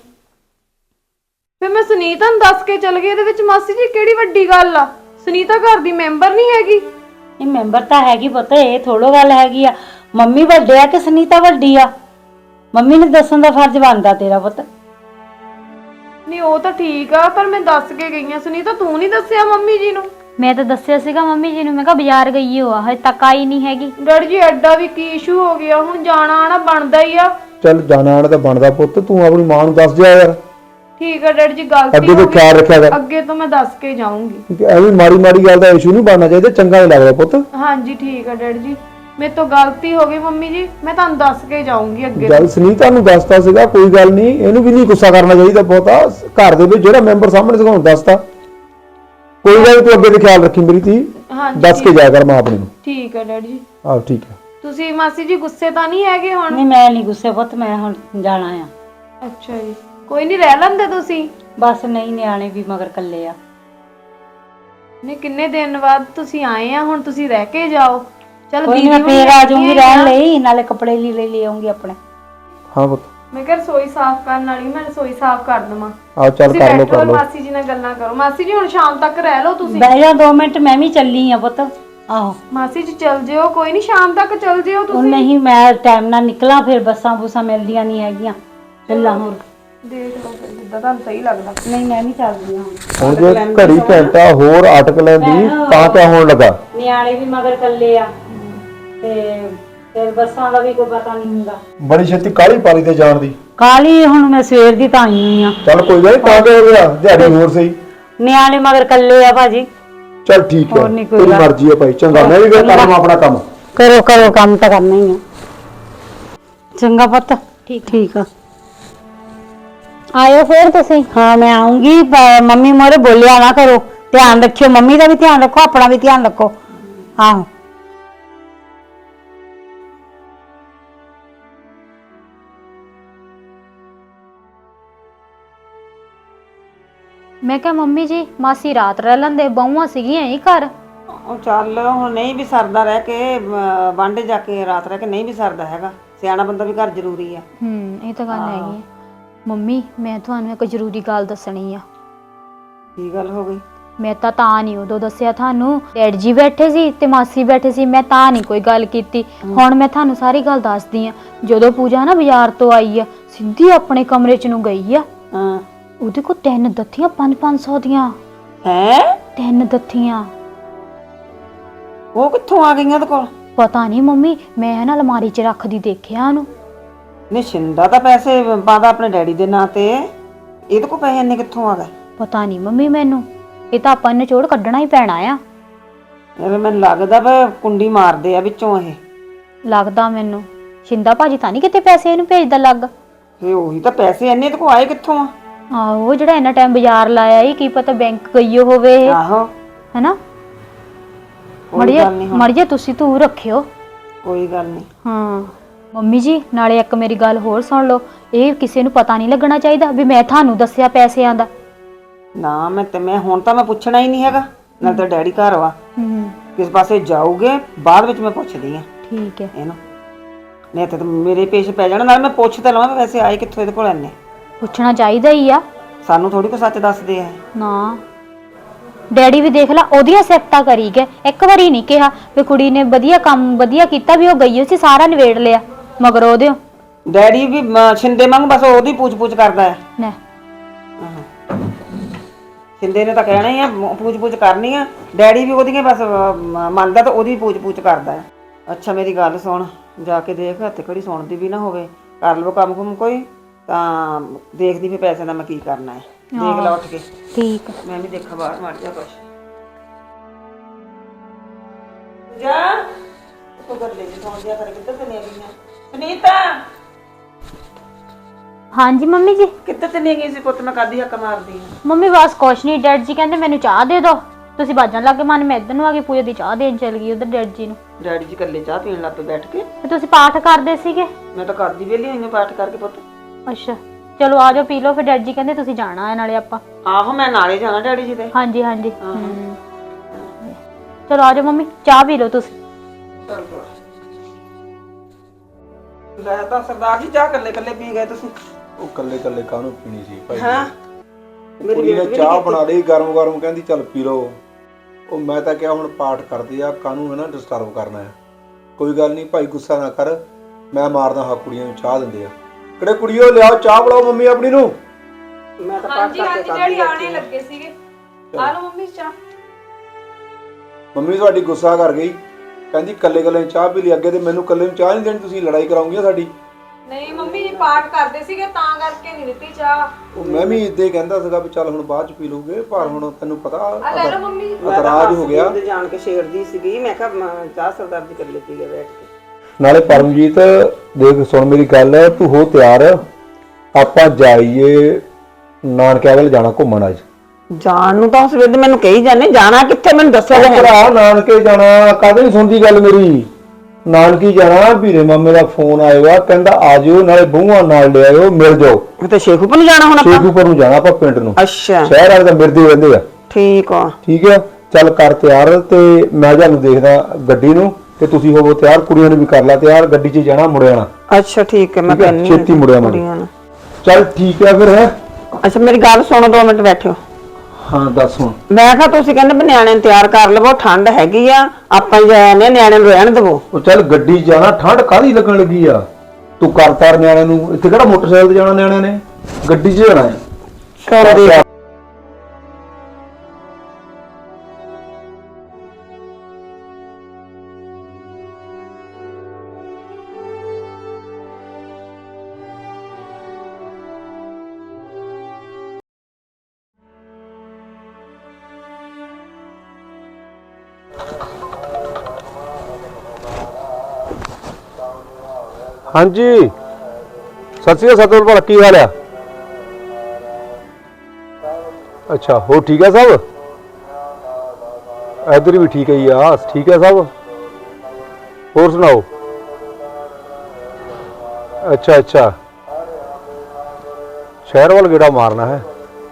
Speaker 4: ਫਿਰ ਮੈਂ ਸੁਨੀਤਾ ਨੂੰ ਦੱਸ ਕੇ ਚਲ ਗਈ, ਇਹਦੇ ਵਿੱਚ ਮਾਸੀ ਜੀ ਕਿਹੜੀ ਵੱਡੀ ਗੱਲ ਆ? ਸੁਨੀਤਾ ਘਰ ਦੀ ਮੈਂਬਰ ਨਹੀਂ ਹੈਗੀ।
Speaker 5: ਇਹ ਮੈਂਬਰ ਤਾਂ ਹੈਗੀ ਪੁੱਤ, ਇਹ ਥੋੜੋ ਗੱਲ ਹੈਗੀ ਆ। ਮੰਮੀ ਵੱਡੇ ਆ ਕਿ ਸੁਨੀਤਾ ਵੱਡੀ ਆ? ਮੰਮੀ ਨੂੰ ਦੱਸਣ ਦਾ ਫਰਜ਼ ਬਣਦਾ ਤੇਰਾ ਪੁੱਤ।
Speaker 4: ਨਹੀਂ ਉਹ ਤਾਂ ਠੀਕ ਆ, ਪਰ ਮੈਂ ਦੱਸ ਕੇ ਗਈ ਆ। ਸੁਨੀਤਾ ਤੂੰ ਨਹੀਂ ਦੱਸਿਆ ਮੰਮੀ ਜੀ ਨੂੰ?
Speaker 1: ਮੈਂ ਤਾਂ ਦੱਸਿਆ ਸੀਗਾ ਮੰਮੀ ਜੀ ਨੂੰ, ਮੈਂ ਕਿਹਾ ਬਾਜ਼ਾਰ ਗਈ ਹੋ ਆ, ਹਜੇ ਤੱਕ ਆਈ ਨਹੀਂ ਹੈਗੀ।
Speaker 4: ਡੈਡੀ ਜੀ ਐਡਾ ਵੀ ਕੀ ਇਸ਼ੂ ਹੋ ਗਿਆ, ਹੁਣ ਜਾਣਾ ਆਣਾ ਬਣਦਾ ਹੀ ਆ।
Speaker 3: ਚੱਲ ਜਾਣਾ ਆਣਾ ਤਾਂ ਬਣਦਾ ਪੁੱਤ, ਤੂੰ ਆਪਣੀ ਮਾਂ ਨੂੰ ਦੱਸ ਜਾ ਯਾਰ।
Speaker 4: ਠੀਕ ਆ ਡੈਡੀ ਜੀ, ਗਲਤੀ
Speaker 3: ਅੱਗੇ ਤੋਂ
Speaker 4: ਹੋ ਗਈ।
Speaker 3: ਖਿਆਲ ਰੱਖਿਆ ਕਰ।
Speaker 4: ਅੱਗੇ ਤੋਂ ਮੈਂ ਦੱਸ ਕੇ ਜਾਊਂਗੀ।
Speaker 3: ਐਵੇਂ ਮਾੜੀ ਮਾੜੀ ਗੱਲ ਦਾ ਇਸ਼ੂ ਨਹੀਂ ਬਣਨਾ ਚਾਹੀਦਾ, ਚੰਗਾ ਨਹੀਂ ਲੱਗਦਾ ਪੁੱਤ।
Speaker 4: ਹਾਂਜੀ ਠੀਕ ਆ ਡੈਡੀ ਜੀ, ਮੇਰੇ ਤੋਂ ਗਲਤੀ ਹੋ ਗਈ ਮੰਮੀ ਜੀ, ਮੈਂ ਤੁਹਾਨੂੰ ਦੱਸ ਕੇ ਜਾਊਂਗੀ ਅੱਗੇ ਤੋਂ।
Speaker 3: ਗੱਲ ਸੁਨੀਤਾ ਨੂੰ ਦੱਸਤਾ ਸੀਗਾ, ਕੋਈ ਗੱਲ ਨਹੀਂ, ਇਹਨੂੰ ਵੀ ਨਹੀਂ ਗੁੱਸਾ ਕਰਨਾ ਚਾਹੀਦਾ ਬਹੁਤਾ। ਘਰ ਦੇ ਵਿੱਚ ਜਿਹੜਾ ਮੈਂਬਰ ਸਾਹਮਣੇ ਸੀਗਾ ਉਹਨੂੰ ਦੱਸਤਾ, ਕੋਈ ਗੱਲ ਨੀ, ਤੂੰ ਅੱਗੇ ਤੇ ਖਿਆਲ ਰੱਖੀ ਮੇਰੀ ਧੀ।
Speaker 4: ਹਾਂਜੀ
Speaker 3: ਦੱਸ ਕੇ ਜਾਇਆ ਕਰ ਮਾਂ ਆਪਣੀ ਨੂੰ।
Speaker 4: ਠੀਕ ਆ ਡੈਡੀ ਜੀ।
Speaker 3: ਆਹ ਠੀਕ ਹੈ।
Speaker 4: ਤੁਸੀਂ ਮਾਸੀ ਜੀ ਗੁੱਸੇ ਤਾਂ ਨਹੀਂ ਹੈਗੇ ਹੁਣ?
Speaker 5: ਨਹੀਂ ਮੈਂ ਨਹੀਂ ਗੁੱਸੇ ਪੁੱਤ, ਮੈਂ ਹੁਣ ਜਾਣਾ ਆ।
Speaker 4: ਅੱਛਾ ਜੀ, ਕੋਈ ਨਹੀਂ, ਰਹਿ ਲੈਂਦੇ ਤੁਸੀਂ।
Speaker 5: ਬਸ ਨਹੀਂ, ਨਿਆਣੇ ਵੀ ਮਗਰ ਕੱਲੇ ਆ।
Speaker 4: ਨੇ ਕਿੰਨੇ ਦਿਨ ਬਾਅਦ ਤੁਸੀਂ ਆਏ ਆ, ਹੁਣ ਤੁਸੀਂ ਰਹਿ ਕੇ ਜਾਓ। ਚਲ
Speaker 5: ਕੋਈ ਨਹੀਂ, ਮੈਂ ਫੇਰ ਆ ਜਾਊਂਗੀ ਰਹਿਣ ਲਈ, ਨਾਲੇ ਕੱਪੜੇ ਲੈ ਆਉਂਗੀ ਆਪਣੇ।
Speaker 3: ਹਾਂ ਪੁੱਤ
Speaker 4: ਮੈਂ ਕਿਹਾ ਰਸੋਈ ਸਾਫ਼ ਕਰਨ ਵਾਲੀ, ਮੈਂ ਰਸੋਈ ਸਾਫ਼ ਕਰ ਦਵਾਂ।
Speaker 3: ਆਹ ਚੱਲ
Speaker 4: ਤੁਸੀਂ
Speaker 3: ਕਰ ਲੋ
Speaker 4: ਬੈਠੋ
Speaker 3: ਕਰ ਲੋ।
Speaker 4: ਮਾਸੀ ਜੀ ਨਾਲ ਗੱਲਾਂ ਕਰੋ। ਮਾਸੀ ਜੀ ਹੁਣ ਸ਼ਾਮ ਤੱਕ ਰਹਿ ਲਓ ਤੁਸੀਂ।
Speaker 5: ਬਹਿ ਜਾ 2 ਮਿੰਟ, ਮੈਂ ਵੀ ਚੱਲੀ ਆ ਪੁੱਤ। ਆਹੋ
Speaker 4: ਮਾਸੀ ਜੀ ਚੱਲ ਜਿਓ, ਕੋਈ ਨਹੀਂ ਸ਼ਾਮ ਤੱਕ ਚੱਲ ਜਿਓ
Speaker 5: ਉਹ
Speaker 4: ਤੁਸੀਂ।
Speaker 5: ਨਹੀਂ, ਮੈਂ ਟਾਈਮ ਨਾਲ ਨਿਕਲਾਂ, ਫਿਰ ਬੱਸਾਂ ਬੂਸਾਂ ਮਿਲਦੀਆਂ ਨਹੀਂ ਹੈਗੀਆਂ। ਚੱਲਾਂ ਹੋਰ।
Speaker 4: ਦੇਖ ਲਓ ਫਿਰ ਜਿੱਦਾਂ ਤੁਹਾਨੂੰ ਸਹੀ ਲੱਗਦਾ।
Speaker 5: ਨਹੀਂ ਮੈਂ ਨਹੀਂ ਚੱਲਦੀ ਹੁਣ।
Speaker 3: ਹੁਣ ਜੇ ਘੜੀ ਘੰਟਾ ਹੋਰ ਅਟਕ ਲੈਂਦੀ ਤਾਂ ਕਿਆ ਹੋਣ ਲੱਗਾ?
Speaker 5: ਨਿਆਣੇ ਵੀ ਮਗਰ ਕੱਲੇ ਆ ਤੇ ਫਿਰ ਬੱਸਾਂ ਦਾ ਵੀ ਕੋਈ ਪਤਾ ਨਹੀਂ ਹੁੰਦਾ।
Speaker 3: ਬੜੀ ਛੇਤੀ ਕਾਹਲੀ ਪਾਲੀ ਤੇ ਜਾਣ ਦੀ।
Speaker 5: ਕਾਲੀ ਹੁਣ ਮੈਂ ਸਵੇਰ ਦੀ ਤਾਂ ਆਈ ਹੋਈ ਆ।
Speaker 3: ਚੱਲ ਕੋਈ ਗੱਲ ਨੀ, ਤਾਂ ਕਿ ਹੋ ਗਿਆ ਦਿਹਾੜੀ ਹੋਰ ਸਹੀ।
Speaker 5: ਨਿਆਣੇ ਮਗਰ ਕੱਲੇ ਆ ਭਾਜੀ।
Speaker 3: ਚੱਲ ਠੀਕ ਹੈ,
Speaker 5: ਹੋਰ ਨੀ ਕੋਈ
Speaker 3: ਤੇਰੀ
Speaker 5: ਗੱਲ।
Speaker 3: ਮਰਜ਼ੀ ਹੈ ਭਾਈ। ਚੰਗਾ, ਮੈਂ ਵੀ ਫਿਰ ਕਰਾਂ ਆਪਣਾ ਕੰਮ।
Speaker 5: ਕਰੋ ਕੰਮ ਤਾਂ ਕਰਨਾ ਹੀ ਆ। ਚੰਗਾ ਪੁੱਤ, ਠੀਕ ਆ।
Speaker 1: ਆਇਓ ਫਿਰ ਤੁਸੀਂ।
Speaker 5: ਹਾਂ ਮੈਂ ਆਉਂਗੀ, ਮੰਮੀ ਮੋਰੇ ਬੋਲਿਆ ਨਾ ਕਰੋ। ਧਿਆਨ ਰੱਖਿਓ, ਮੰਮੀ ਦਾ ਵੀ ਧਿਆਨ ਰੱਖੋ, ਆਪਣਾ ਵੀ ਧਿਆਨ ਰੱਖੋ। ਆਹੋ
Speaker 1: ਮੈਂ ਕਿਹਾ ਮੰਮੀ ਜੀ ਮਾਸੀ ਰਾਤ ਰਹਿ ਲੈਂਦੇ, ਬਹੂਆਂ ਸੀਗੀਆਂ ਹੀ ਘਰ।
Speaker 2: ਉਹ ਚੱਲ ਹੁਣ ਨਹੀਂ ਵੀ ਸਰਦਾ ਰਹਿ ਕੇ, ਵਾਂਡੇ ਜਾ ਕੇ ਰਾਤ ਰਹਿ ਕੇ ਨਹੀਂ ਵੀ ਸਰਦਾ ਹੈਗਾ। ਸਿਆਣਾ ਬੰਦਾ ਵੀ ਘਰ ਜ਼ਰੂਰੀ ਆ।
Speaker 1: ਇਹ ਤਾਂ ਗੱਲ ਹੈਗੀ ਹੈ। ਮੰਮੀ ਮੈਂ ਤੁਹਾਨੂੰ ਇੱਕ ਜ਼ਰੂਰੀ ਗੱਲ ਦੱਸਣੀ ਆ।
Speaker 2: ਕੀ ਗੱਲ ਹੋ ਗਈ?
Speaker 1: ਮੈਂ ਤਾਂ ਨਹੀਂ ਉਦੋਂ ਦੱਸਿਆ ਤੁਹਾਨੂੰ, ਡੈਡ ਜੀ ਬੈਠੇ ਸੀ ਤੇ ਮਾਸੀ ਬੈਠੇ ਸੀ, ਮੈਂ ਤਾਂ ਨਹੀਂ ਕੋਈ ਗੱਲ ਕੀਤੀ। ਹੁਣ ਮੈਂ ਤੁਹਾਨੂੰ ਸਾਰੀ ਗੱਲ ਦੱਸਦੀ ਆ। ਜਦੋਂ ਪੂਜਾ ਨਾ ਬਾਜ਼ਾਰ ਤੋਂ ਆਈ ਆ, ਸਿੱਧੀ ਆਪਣੇ ਕਮਰੇ 'ਚ ਨੂੰ ਗਈ ਆ।
Speaker 2: ਹਾਂ,
Speaker 1: ਉਹਦੇ ਕੋਲ 3 ਦੱਥੀਆਂ 500 ਦੀਆਂ।
Speaker 2: ਹੈ
Speaker 1: 3 ਦੱਥੀਆਂ।
Speaker 2: ਉਹ ਕਿੱਥੋਂ ਆ ਗਈਆਂ ਉਹਦੇ ਕੋਲ?
Speaker 1: ਪਤਾ ਨਹੀਂ ਮੰਮੀ, ਮੈਂ ਨਾ ਅਲਮਾਰੀ 'ਚ ਰੱਖਦੀ ਦੇਖਿਆ ਉਹਨੂੰ।
Speaker 2: ਨਹੀਂ ਛਿੰਦਾ ਤਾਂ ਪੈਸੇ ਪਾਦਾ ਆਪਣੇ ਡੈਡੀ ਦੇ ਨਾਂ ਤੇ, ਇਹਦੇ ਕੋਲ ਪੈਸੇ ਇੰਨੇ ਕਿੱਥੋਂ ਆ ਗਏ?
Speaker 1: ਪਤਾ ਨਹੀਂ ਮੰਮੀ ਮੈਨੂੰ, ਇਹ ਤਾਂ ਆਪਾਂ ਨੇ ਚੋੜ ਕੱਢਣਾ ਹੀ ਪੈਣਾ ਆ।
Speaker 2: ਐਵੇਂ ਮੈਨੂੰ ਲੱਗਦਾ ਵਾ ਕੁੰਡੀ ਮਾਰਦੇ ਆ ਵਿੱਚੋਂ ਇਹ।
Speaker 1: ਲੱਗਦਾ ਮੈਨੂੰ ਸ਼ਿੰਦਾ ਭਾਜੀ ਤਾਂ ਨਹੀਂ ਕਿਤੇ ਪੈਸੇ ਇਹਨੂੰ ਭੇਜਦਾ ਲੱਗ।
Speaker 2: ਫੇ ਉਹੀ ਤਾਂ ਪੈਸੇ ਇੰਨੇ ਤੇ ਕੋ ਆਏ ਕਿੱਥੋਂ ਆ?
Speaker 1: ਆਹੋ ਜਿਹੜਾ ਇੰਨਾ ਟਾਈਮ ਬਾਜ਼ਾਰ ਲਾਇਆ ਈ ਕੀ ਪਤਾ ਬੈਂਕ ਗਈ ਹੋਵੇ ਇਹ,
Speaker 2: ਆਹੋ
Speaker 1: ਹੈਨਾ।
Speaker 2: ਕੋਈ ਗੱਲ ਨਹੀਂ,
Speaker 1: ਮੜੀਏ ਤੁਸੀਂ ਤੂੰ ਰੱਖਿਓ।
Speaker 2: ਕੋਈ ਗੱਲ ਨਹੀਂ।
Speaker 1: ਹਾਂ ਮੰਮੀ ਜੀ ਨਾਲੇ ਇੱਕ ਮੇਰੀ ਗੱਲ ਹੋਰ ਸੁਣ ਲਓ, ਇਹ ਕਿਸੇ ਨੂੰ ਪਤਾ ਨਹੀਂ ਲੱਗਣਾ ਚਾਹੀਦਾ ਵੀ ਮੈਂ ਤੁਹਾਨੂੰ ਦੱਸਿਆ ਪੈਸਿਆਂ ਦਾ।
Speaker 2: ਨਾ ਮੈਂ ਹੁਣ ਤਾਂ ਮੈਂ ਪੁੱਛਣਾ ਹੀ ਨਹੀਂ ਹੈਗਾ, ਨਾਲ ਤਾਂ ਡੈਡੀ ਘਰ ਵਾ, ਕਿਸ ਪਾਸੇ ਜਾਊਗੇ ਬਾਅਦ ਵਿੱਚ ਮੈਂ ਪੁੱਛਦੀ ਆ
Speaker 1: ਠੀਕ ਹੈ।
Speaker 2: ਇਹਨੂੰ, ਨਹੀਂ ਤਾਂ ਮੇਰੇ ਪੇਸ਼ ਪੈ ਜਾਣਾ। ਨਾਲ ਮੈਂ ਪੁੱਛ ਤਾਂ ਲਵਾਂ ਵੈਸੇ ਆਏ ਕਿੱਥੋਂ ਇਹਦੇ ਕੋਲ ਇੰਨੇ।
Speaker 1: ਪੁੱਛਣਾ ਚਾਹੀਦਾ ਹੀ ਆ।
Speaker 2: ਸਾਨੂੰ ਥੋੜੀ ਕੋ ਸੱਚ ਦੱਸਦੇ ਆ।
Speaker 1: ਨਾ ਡੈਡੀ ਵੀ ਦੇਖ ਲਾ ਉਹਦੀਆਂ ਸਿਫਤਾਂ ਕਰੀ ਗਏ, ਇੱਕ ਵਾਰੀ ਨਹੀਂ ਕਿਹਾ ਵੀ ਕੁੜੀ ਨੇ ਵਧੀਆ ਕੰਮ ਵਧੀਆ ਕੀਤਾ, ਵੀ ਉਹ ਗਈ ਹੋਈ ਸੀ ਸਾਰਾ ਨਿਬੇੜ ਲਿਆ ਮਗਰ ਉਹਦੇ।
Speaker 2: ਡੈਡੀ ਵੀ ਛਿੰਦੇ ਵਾਂਗ ਬਸ ਉਹਦੀ ਪੁੱਛ ਕਰਦਾ ਹੈ।
Speaker 1: ਨਾ
Speaker 2: ਛਿੰਦੇ ਨੇ ਤਾਂ ਕਹਿਣਾ ਹੀ ਆ, ਪੁੱਛ ਕਰਨੀ ਆ। ਡੈਡੀ ਵੀ ਉਹਦੀਆਂ ਬਸ ਮੰਨਦਾ ਤਾਂ ਉਹਦੀ ਪੁੱਛ ਕਰਦਾ ਹੈ। ਅੱਛਾ ਮੇਰੀ ਗੱਲ ਸੁਣ, ਜਾ ਕੇ ਦੇਖ ਹੱਥ ਘੜੀ ਸੁਣਦੀ ਵੀ ਨਾ ਹੋਵੇ, ਕਰ ਲਵੋ ਕੰਮ ਕੁਮ ਕੋਈ, ਤਾਂ ਦੇਖਦੀ ਫਿਰ ਪੈਸੇ ਦਾ ਮੈਂ ਕੀ ਕਰਨਾ ਹੈ। ਦੇਖ ਲਾ ਉੱਠ ਕੇ।
Speaker 1: ਠੀਕ ਆ।
Speaker 2: ਮੈਂ ਵੀ ਦੇਖਾਂ ਬਾਹਰ ਮੜ ਜਾ ਕੁਛ ਜਾ ਤੂੰ ਕਰ ਲੈ ਸੌਂ ਜਾ ਕਰ। ਕਿੱਧਰ ਤੇ ਨਹੀਂ ਗਈਆਂ ਸੁਨੀਤਾ?
Speaker 1: ਹਾਂਜੀ ਮੰਮੀ ਜੀ।
Speaker 2: ਕਿੱਧਰ ਤੇ ਨਹੀਂ ਗਈ ਸੀ ਪੁੱਤ? ਮੈਂ ਕਾਦੀ ਹੱਕ ਮਾਰਦੀ ਆ।
Speaker 1: ਮੰਮੀ ਬਸ ਕੁਛ ਨਹੀਂ, ਡੈਡ ਜੀ ਕਹਿੰਦੇ ਮੈਨੂੰ ਚਾਹ ਦੇ ਦਿਓ, ਤੁਸੀਂ ਬਾਜਣ ਲੱਗੇ ਮਨ ਮੈਂ ਇੱਧਰ ਨੂੰ ਆ ਗਈ, ਪੂਜਾ ਦੀ ਚਾਹ ਦੇਣ ਚਲ ਗਈ ਉਧਰ ਡੈਡ ਜੀ ਨੂੰ।
Speaker 2: ਡੈਡੀ ਜੀ ਇਕੱਲੇ ਚਾਹ ਪੀਣ ਲੱਗ ਪਏ ਬੈਠ ਕੇ।
Speaker 1: ਤੇ ਤੁਸੀਂ ਪਾਠ ਕਰਦੇ ਸੀਗੇ?
Speaker 2: ਮੈਂ ਤਾਂ ਕਰਦੀ ਵੇਲੀ ਹੋਈ ਹਾਂ ਪਾਠ ਕਰਕੇ ਪੁੱਤ।
Speaker 1: ਅੱਛਾ ਚਲੋ ਆ ਜਾਓ ਪੀ ਲਓ, ਫਿਰ ਡੈਡ ਜੀ ਕਹਿੰਦੇ ਤੁਸੀਂ ਜਾਣਾ ਹੈ ਨਾਲੇ ਆਪਾਂ।
Speaker 2: ਆਹੋ ਮੈਂ ਨਾਲੇ ਜਾਣਾ ਡੈਡੀ ਜੀ ਦੇ।
Speaker 1: ਹਾਂਜੀ ਹਾਂਜੀ ਚਲੋ ਆ ਜਾਓ ਮੰਮੀ, ਚਾਹ ਪੀ ਲਓ ਤੁਸੀਂ।
Speaker 2: ਲੈ ਤਾਂ ਸਰਦਾਰ ਜੀ ਚਾਹ ਇਕੱਲੇ ਪੀ ਗਏ ਤੁਸੀਂ।
Speaker 3: ਉਹ ਕੱਲੇ ਕਾਹਨੂੰ ਪੀਣੀ ਸੀ ਭਾਈ?
Speaker 2: ਹਾਂ
Speaker 3: ਕੁੜੀ ਨੇ ਚਾਹ ਬਣਾ ਲਈ ਗਰਮ ਕਹਿੰਦੀ ਚੱਲ ਪੀ ਲਓ। ਉਹ ਮੈਂ ਤਾਂ ਕਿਹਾ ਹੁਣ ਪਾਠ ਕਰਦੇ ਆ, ਕਾਹਨੂੰ ਹੈ ਨਾ ਡਿਸਟਰਬ ਕਰਨਾ ਹੈ। ਕੋਈ ਗੱਲ ਨਹੀਂ ਭਾਈ ਗੁੱਸਾ ਨਾ ਕਰ, ਮੈਂ ਮਾਰਦਾ ਹਾਂ ਕੁੜੀਆਂ ਨੂੰ ਚਾਹ ਦਿੰਦੇ ਆ। ਕਿਹੜੇ ਕੁੜੀਓ ਲਿਆਓ ਚਾਹ ਬਣਾਓ ਮੰਮੀ ਆਪਣੀ ਨੂੰ।
Speaker 2: ਮੈਂ ਤਾਂ ਪਾਠ ਕਰਕੇ
Speaker 4: ਜਿਹੜੀ ਆਣੇ ਲੱਗੇ ਸੀਗੇ। ਆ ਲਓ ਮੰਮੀ ਚਾਹ।
Speaker 3: ਮੰਮੀ ਤੁਹਾਡੀ ਗੁੱਸਾ ਕਰ ਗਈ, ਕਹਿੰਦੀ ਕੱਲੇ ਚਾਹ ਪੀ ਲਈ। ਅੱਗੇ ਤੇ ਮੈਨੂੰ ਕੱਲੇ ਨੂੰ ਚਾਹ ਨਹੀਂ ਦੇਣੀ, ਤੁਸੀਂ ਲੜਾਈ ਕਰਾਉਂਗੇ ਸਾਡੀ।
Speaker 4: ਨਹੀਂ ਮੰਮੀ ਜੀ ਪਾਠ ਕਰਦੇ ਸੀਗੇ ਤਾਂ ਕਰਕੇ ਨਹੀਂ ਦਿੱਤੀ ਚਾਹ।
Speaker 3: ਉਹ ਮੈਂ ਵੀ ਇੱਦਾਂ ਹੀ ਕਹਿੰਦਾ ਸੀਗਾ ਵੀ ਚੱਲ ਹੁਣ ਬਾਅਦ ਚ ਪੀ ਲੂਗੇ, ਪਰ ਹੁਣ ਤੈਨੂੰ ਪਤਾ
Speaker 4: ਆ ਲੈ ਲਓ ਮੰਮੀ।
Speaker 3: ਇਤਰਾਜ਼ ਹੋ ਗਿਆ।
Speaker 2: ਜਾਣ ਕੇ ਛੇੜਦੀ ਸੀਗੀ, ਮੈਂ ਕਿਹਾ ਚਾਹ ਸਰਦਾਰ ਜੀ ਇਕੱਲੇ ਪੀ ਗਏ ਬੈਠ ਕੇ।
Speaker 3: ਨਾਲੇ ਪਰਮਜੀਤ ਦੇਖ ਸੁਣ ਮੇਰੀ ਗੱਲ, ਤੂੰ ਹੋ ਤਿਆਰ, ਆਪਾਂ ਜਾਈਏ ਨਾਨਕਿਆਂ ਵੱਲ ਜਾਣਾ ਘੁੰਮਣ ਅੱਜ।
Speaker 2: ਜਾਣ ਨੂੰ ਤਾਂ ਉਸ ਵੇਲੇ ਮੈਨੂੰ ਕਹੀ ਜਾਂਦੇ, ਜਾਣਾ ਕਿੱਥੇ ਮੈਨੂੰ ਦੱਸਿਆ ਤਾਂ
Speaker 3: ਭਰਾ ਨਾਨਕੇ ਜਾਣਾ। ਕਦੇ ਨਹੀਂ ਸੁਣਦੀ ਗੱਲ ਮੇਰੀ? ਨਾਨਕੀ ਜਾਣਾ, ਵੀਰੇ ਮਾਮੇ ਦਾ ਫੋਨ ਆਏਗਾ, ਕਹਿੰਦਾ ਆ ਜਿਓ, ਨਾਲੇ ਬਹੂਆਂ ਨਾਲ ਲੈ ਆਇਓ, ਮਿਲ ਜਾਓ।
Speaker 2: ਤੇ ਸ਼ੇਖੂਪੁਰ ਨੂੰ ਜਾਣਾ ਹੁਣ ਆਪਾਂ?
Speaker 3: ਸ਼ੇਖੂਪੁਰ ਨੂੰ ਜਾਣਾ ਆਪਾਂ ਪਿੰਡ ਨੂੰ।
Speaker 2: ਅੱਛਾ
Speaker 3: ਸ਼ਹਿਰ ਵਾਲੇ ਤਾਂ ਮਿਰਦੇ ਰਹਿੰਦੇ ਆ।
Speaker 2: ਠੀਕ ਆ।
Speaker 3: ਠੀਕ ਆ ਚੱਲ ਕਰ ਤਿਆਰ, ਤੇ ਮੈਂ ਤੁਹਾਨੂੰ ਦੇਖਦਾ ਗੱਡੀ ਨੂੰ, ਤੇ ਤੁਸੀਂ ਹੋਵੋ ਤਿਆਰ, ਕੁੜੀਆਂ ਨੂੰ ਵੀ ਕਰ ਲਾ ਤਿਆਰ, ਗੱਡੀ 'ਚ ਜਾਣਾ ਮੁੜ ਆਣਾ।
Speaker 2: ਅੱਛਾ ਠੀਕ ਹੈ, ਮੈਂ ਕਹਿੰਨੀ
Speaker 3: ਛੇਤੀ ਮੁੜਿਆ ਮੈਂ। ਚੱਲ ਠੀਕ ਆ ਫਿਰ ਹੈ।
Speaker 2: ਅੱਛਾ ਮੇਰੀ ਗੱਲ ਸੁਣੋ, 2 ਮਿੰਟ ਬੈਠਿਓ।
Speaker 3: ਹਾਂ ਦੱਸ ਹੁਣ।
Speaker 2: ਮੈਂ ਕਿਹਾ ਤੁਸੀਂ ਕਹਿੰਦੇ ਵੀ ਨਿਆਣੇ ਨੂੰ ਤਿਆਰ ਕਰ ਲਵੋ, ਠੰਡ ਹੈਗੀ ਆ, ਆਪਾਂ ਜਾਣੇ ਨਿਆਣੇ ਨੂੰ ਰਹਿਣ ਦੇਵੋ।
Speaker 3: ਉਹ ਚੱਲ ਗੱਡੀ 'ਚ ਜਾਣਾ, ਠੰਡ ਕਾਹਦੀ ਲੱਗਣ ਲੱਗੀ ਆ? ਤੂੰ ਕਰ ਤਾਰ ਨਿਆਣਿਆਂ ਨੂੰ, ਇੱਥੇ ਕਿਹੜਾ ਮੋਟਰਸਾਈਕਲ ਤੇ ਜਾਣਾ ਨਿਆਣਿਆਂ ਨੇ, ਗੱਡੀ 'ਚ ਜਾਣਾ ਹੈ। ਹਾਂਜੀ ਸਤਿ ਸ਼੍ਰੀ ਅਕਾਲ ਸਤਿਗੁਰ ਭਲਾ, ਕੀ ਹਾਲ ਆ? ਅੱਛਾ ਹੋ ਠੀਕ ਹੈ ਸਭ? ਇੱਧਰ ਵੀ ਠੀਕ ਹੈ ਜੀ, ਆ ਠੀਕ ਹੈ ਸਭ। ਹੋਰ ਸੁਣਾਓ? ਅੱਛਾ ਸ਼ਹਿਰ ਵੱਲ ਗੇੜਾ ਮਾਰਨਾ ਹੈ।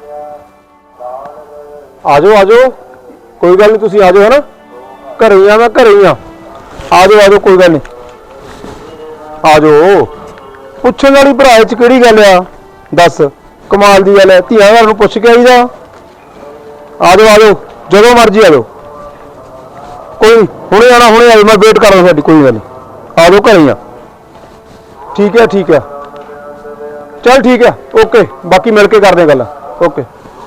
Speaker 3: ਆ ਜਾਓ ਕੋਈ ਗੱਲ ਨਹੀਂ, ਤੁਸੀਂ ਆ ਜਾਓ, ਹੈ ਨਾ? ਘਰੇ ਹੀ ਆ ਮੈਂ, ਘਰੇ ਹੀ ਆ। ਆ ਜਾਓ ਕੋਈ ਗੱਲ ਨਹੀਂ, ਆ ਜਾਓ। ਪੁੱਛਣ ਵਾਲੀ ਭਰਾ ਚ ਕਿਹੜੀ ਗੱਲ ਆ? ਦੱਸ, ਕਮਾਲ ਦੀ ਗੱਲ ਹੈ, ਧੀਆਂ ਘਰ ਨੂੰ ਪੁੱਛ ਕੇ ਆਈਦਾ। ਆ ਜਾਓ ਜਦੋਂ ਮਰਜ਼ੀ ਆ ਜਾਓ, ਕੋਈ ਹੁਣੇ ਆਣਾ, ਹੁਣੇ ਆ ਜਾਓ, ਮੈਂ ਵੇਟ ਕਰ ਰਿਹਾ ਸਾਡੀ, ਕੋਈ ਗੱਲ ਨਹੀਂ, ਆ ਜਾਓ ਘਰੇ ਆ। ਠੀਕ ਹੈ ਚੱਲ ਠੀਕ ਹੈ, ਓਕੇ, ਬਾਕੀ ਮਿਲ ਕੇ ਕਰਦੇ ਗੱਲ। ਓਕੇ।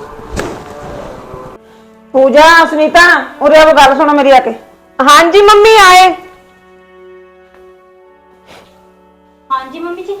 Speaker 2: ਪੂਜਾ ਸੁਨੀਤਾ ਉਰੇ ਆਓ, ਗੱਲ ਸੁਣੋ ਮੇਰੀ ਆ ਕੇ।
Speaker 4: ਹਾਂਜੀ ਮੰਮੀ ਆਏ।
Speaker 1: ਹਾਂਜੀ ਮੰਮੀ ਜੀ।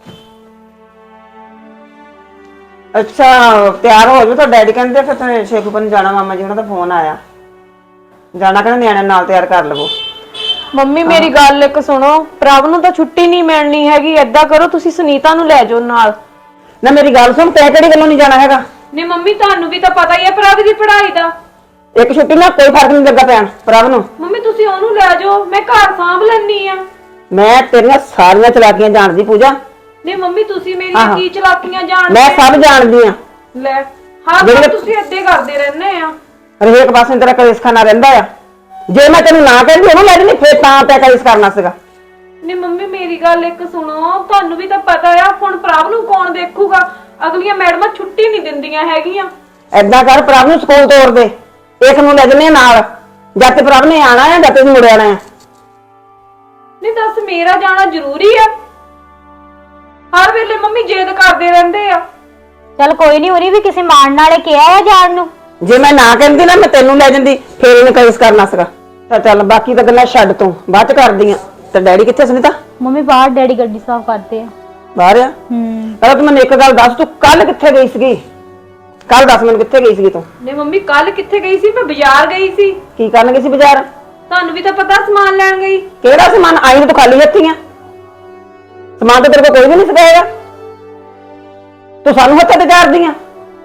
Speaker 2: ਅੱਛਾ ਤਿਆਰ ਹੋ ਜਾਓ, ਤਾਂ ਡੈਡੀ ਕਹਿੰਦੇ ਫਿਰ ਸ਼ੇਖੂਪੁਰ ਨੂੰ ਜਾਣਾ, ਮਾਮਾ ਜੀ ਉਹਨਾਂ ਦਾ ਫੋਨ ਆਇਆ, ਜਾਣਾ ਕਹਿੰਦੇ ਨਿਆਣੇ ਨਾਲ ਤਿਆਰ ਕਰ ਲਵੋ।
Speaker 4: ਮੰਮੀ ਮੇਰੀ ਗੱਲ ਇੱਕ ਸੁਣੋ, ਪ੍ਰਭ ਨੂੰ ਤਾਂ ਛੁੱਟੀ ਨਹੀਂ ਮਿਲਣੀ ਹੈਗੀ, ਏਦਾਂ ਕਰੋ ਤੁਸੀਂ ਸੁਨੀਤਾ ਨੂੰ ਲੈ ਜਾਓ ਨਾਲ।
Speaker 2: ਨਾ ਮੇਰੀ ਗੱਲ ਸੁਣ, ਤੈਂ ਕਿਹੜੀ ਗੱਲੋਂ ਨਹੀਂ ਜਾਣਾ ਹੈਗਾ?
Speaker 4: ਨਹੀਂ ਮੰਮੀ ਤੁਹਾਨੂੰ ਵੀ ਤਾਂ ਪਤਾ ਹੀ ਹੈ ਪ੍ਰਭ ਦੀ ਪੜ੍ਹਾਈ ਦਾ।
Speaker 2: ਇੱਕ ਛੁੱਟੀ ਨਾਲ ਕੋਈ ਫਰਕ ਨਹੀਂ ਲੱਗਾ ਪੈਣ ਪ੍ਰਭ ਨੂੰ।
Speaker 4: ਮੰਮੀ ਤੁਸੀਂ ਉਹਨੂੰ ਲੈ ਜਾਓ, ਮੈਂ ਘਰ ਸਾਂਭ ਲੈਣੀ ਆ।
Speaker 2: ਮੈਂ ਤੇਰੀਆਂ ਸਾਰੀਆਂ ਚਲਾਕੀਆਂ ਜਾਣਦੀ ਪੂਜਾ।
Speaker 4: ਨਹੀਂ ਮੰਮੀ ਤੁਸੀਂ ਮੇਰੀਆਂ ਕੀ ਚਲਾਕੀਆਂ ਜਾਣਦੇ?
Speaker 2: ਮੈਂ ਸਭ ਜਾਣਦੀ ਆ।
Speaker 4: ਲੈ ਹਾਂ
Speaker 2: ਜਿਹੜੇ-
Speaker 4: ਤੁਸੀਂ ਏਦਾਂ ਕਰਦੇ ਰਹਿੰਦੇ ਆ।
Speaker 2: ਹਰੇਕ ਪਾਸੇ ਤੇਰਾ ਕਲੇਸ਼ ਖਾਨਾ ਰਹਿੰਦਾ ਆ। ਜੇ ਮੈਂ ਤੈਨੂੰ ਨਾ ਕਹਿੰਦੀ ਉਹਨੂੰ ਲੈ ਜਣੀ, ਫੇਰ ਤਾਂ ਤੈਂ ਕਲੇਸ਼ ਕਰਨਾ ਸੀਗਾ।
Speaker 4: ਨਹੀਂ ਮੰਮੀ ਮੇਰੀ ਗੱਲ ਇੱਕ ਸੁਣੋ, ਤੁਹਾਨੂੰ ਵੀ ਤਾਂ ਪਤਾ ਆ ਹੁਣ ਪ੍ਰਭ ਨੂੰ ਕੌਣ ਦੇਖੂਗਾ? ਅਗਲੀਆਂ ਮੈਡਮਾਂ ਛੁੱਟੀ ਨਹੀਂ ਦਿੰਦੀਆਂ ਹੈਗੀਆਂ।
Speaker 2: ਏਦਾਂ ਕਰ, ਪ੍ਰਭ ਨੂੰ ਸਕੂਲ ਤੋਰ ਦੇ, ਇੱਕ ਨੂੰ ਲੈ ਜਨੇ ਨਾਲ। ਜਦ ਤੇ ਪ੍ਰਭ ਨੇ ਆਣਾ ਆ, ਜਦ ਤੇ ਮੁੜ ਆਣਾ ਆ।
Speaker 4: ਨਹੀਂ ਦੱਸ ਮੇਰਾ ਜਾਣਾ ਜ਼ਰੂਰੀ ਆ? ਹਰ ਵੇਲੇ ਮੰਮੀ ਜਿੱਦ ਕਰਦੇ ਰਹਿੰਦੇ ਆ।
Speaker 1: ਚੱਲ ਕੋਈ ਨਹੀਂ, ਉਹਨੇ ਵੀ ਕਿਸੇ ਮਾਣ ਨਾਲੇ ਕਿਹਾ ਆ ਜਾਣ ਨੂੰ।
Speaker 2: ਜੇ ਮੈਂ ਨਾ ਕਹਿੰਦੀ ਨਾ, ਮੈਂ ਤੈਨੂੰ ਲੈ ਜਾਂਦੀ, ਫੇਰ ਇਹਨੇ ਕਲੇਸ਼ ਕਰਨਾ ਸੀਗਾ। ਤਾਂ ਚੱਲ ਬਾਕੀ ਤਾਂ ਗੱਲਾਂ ਛੱਡ ਤੂੰ, ਬਾਅਦ ਚ ਕਰਦੀ ਆ। ਤੇ ਡੈਡੀ ਕਿੱਥੇ ਸੁਨੀਤਾ?
Speaker 1: ਮੰਮੀ ਬਾਹਰ ਡੈਡੀ ਗੱਡੀ ਸਾਫ਼ ਕਰਦੇ ਆ।
Speaker 2: ਬਾਹਰ ਆ? ਪਹਿਲਾਂ ਤੂੰ ਮੈਨੂੰ ਇੱਕ ਗੱਲ ਦੱਸ, ਤੂੰ ਕੱਲ ਕਿੱਥੇ ਗਈ ਸੀਗੀ? ਕੱਲ ਦੱਸ ਮੈਨੂੰ, ਕਿੱਥੇ ਗਈ ਸੀਗੀ ਤੂੰ?
Speaker 4: ਨਹੀਂ ਮੰਮੀ ਕੱਲ ਕਿੱਥੇ ਗਈ ਸੀ? ਮੈਂ ਬਾਜ਼ਾਰ ਗਈ ਸੀ।
Speaker 2: ਕੀ ਕਰਨ ਗਈ ਸੀ ਬਾਜ਼ਾਰ?
Speaker 4: ਤੁਹਾਨੂੰ ਵੀ ਤਾਂ ਪਤਾ ਸਮਾਨ ਲੈਣ ਗਈ।
Speaker 2: ਕਿਹੜਾ ਸਮਾਨ? ਆਈ ਨੂੰ ਤੂੰ ਖਾਲੀ ਹੱਥੀ ਆ। ਸਮਾਨ ਤਾਂ ਤੇਰੇ ਕੋਲ ਕੋਈ ਵੀ ਨਹੀਂ ਸਿਖਾਏਗਾ। ਤੂੰ ਸਾਨੂੰ ਹੱਥਾਂ ਤੇ ਚਾਰਦੀ ਆ।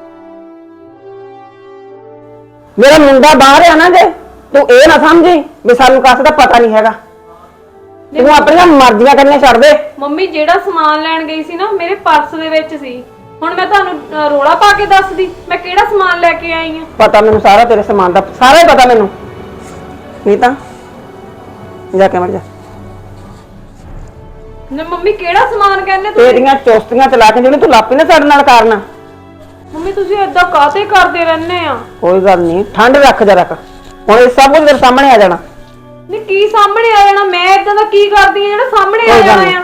Speaker 2: ਮੇਰਾ ਮੁੰਡਾ ਬਾਹਰ ਆ ਨਾ, ਜੇ ਤੂੰ ਇਹ ਨਾ ਸਮਝੀ ਵੀ ਸਾਨੂੰ ਕਾਸੇ ਦਾ ਪਤਾ ਨਹੀਂ ਹੈਗਾ। ਤੂੰ ਆਪਣੀਆਂ ਮਰਜ਼ੀਆਂ ਕਰਨੀਆਂ ਛੱਡ ਦੇ।
Speaker 4: ਮੰਮੀ ਜਿਹੜਾ ਸਮਾਨ ਲੈਣ ਗਈ ਸੀ ਨਾ, ਮੇਰੇ ਪਰਸ ਦੇ ਵਿੱਚ ਸੀ। ਹੁਣ ਮੈਂ ਤੁਹਾਨੂੰ ਰੋਲਾ ਪਾ ਕੇ ਦੱਸਦੀ ਮੈਂ ਕਿਹੜਾ ਸਮਾਨ ਲੈ ਕੇ ਆਈ ਆ?
Speaker 2: ਪਤਾ ਮੈਨੂੰ ਸਾਰਾ, ਤੇਰੇ ਸਮਾਨ ਦਾ ਸਾਰਾ ਹੀ ਪਤਾ ਮੈਨੂੰ। ਨਹੀਂ ਤਾਂ ਜਾ ਕੇ ਮਰ ਜਾ।
Speaker 4: ਨਾ ਮੰਮੀ ਕਿਹੜਾ ਸਮਾਨ ਕਹਿੰਦੇ ਤੁਸੀਂ?
Speaker 2: ਤੇਰੀਆਂ ਚੋਸਤੀਆਂ ਚਲਾ ਕੇ ਜਿਹੜੀ ਤੂੰ ਲਾਪੀ ਨਾ ਸਾਡੇ ਨਾਲ ਕਰਨਾ।
Speaker 4: ਮੰਮੀ ਤੁਸੀਂ ਏਦਾਂ ਕਾਹਤੇ ਕਰਦੇ ਰਹਿੰਦੇ ਆ?
Speaker 2: ਕੋਈ ਗੱਲ ਨਹੀਂ, ਠੰਡ ਰੱਖ ਜਰਾ ਕ। ਹੁਣ ਇਹ ਸਭ ਕੁਝ ਤੇਰੇ ਸਾਹਮਣੇ ਆ ਜਾਣਾ।
Speaker 4: ਨਹੀਂ ਕੀ ਸਾਹਮਣੇ ਆ ਜਾਣਾ? ਮੈਂ ਏਦਾਂ ਦਾ ਕੀ ਕਰਦੀ ਆ ਜਿਹੜਾ ਸਾਹਮਣੇ ਆ
Speaker 2: ਕੋਈ ਗੱਲ
Speaker 4: ਜਾਣਾ
Speaker 2: ਨਹੀਂ।
Speaker 4: ਆ?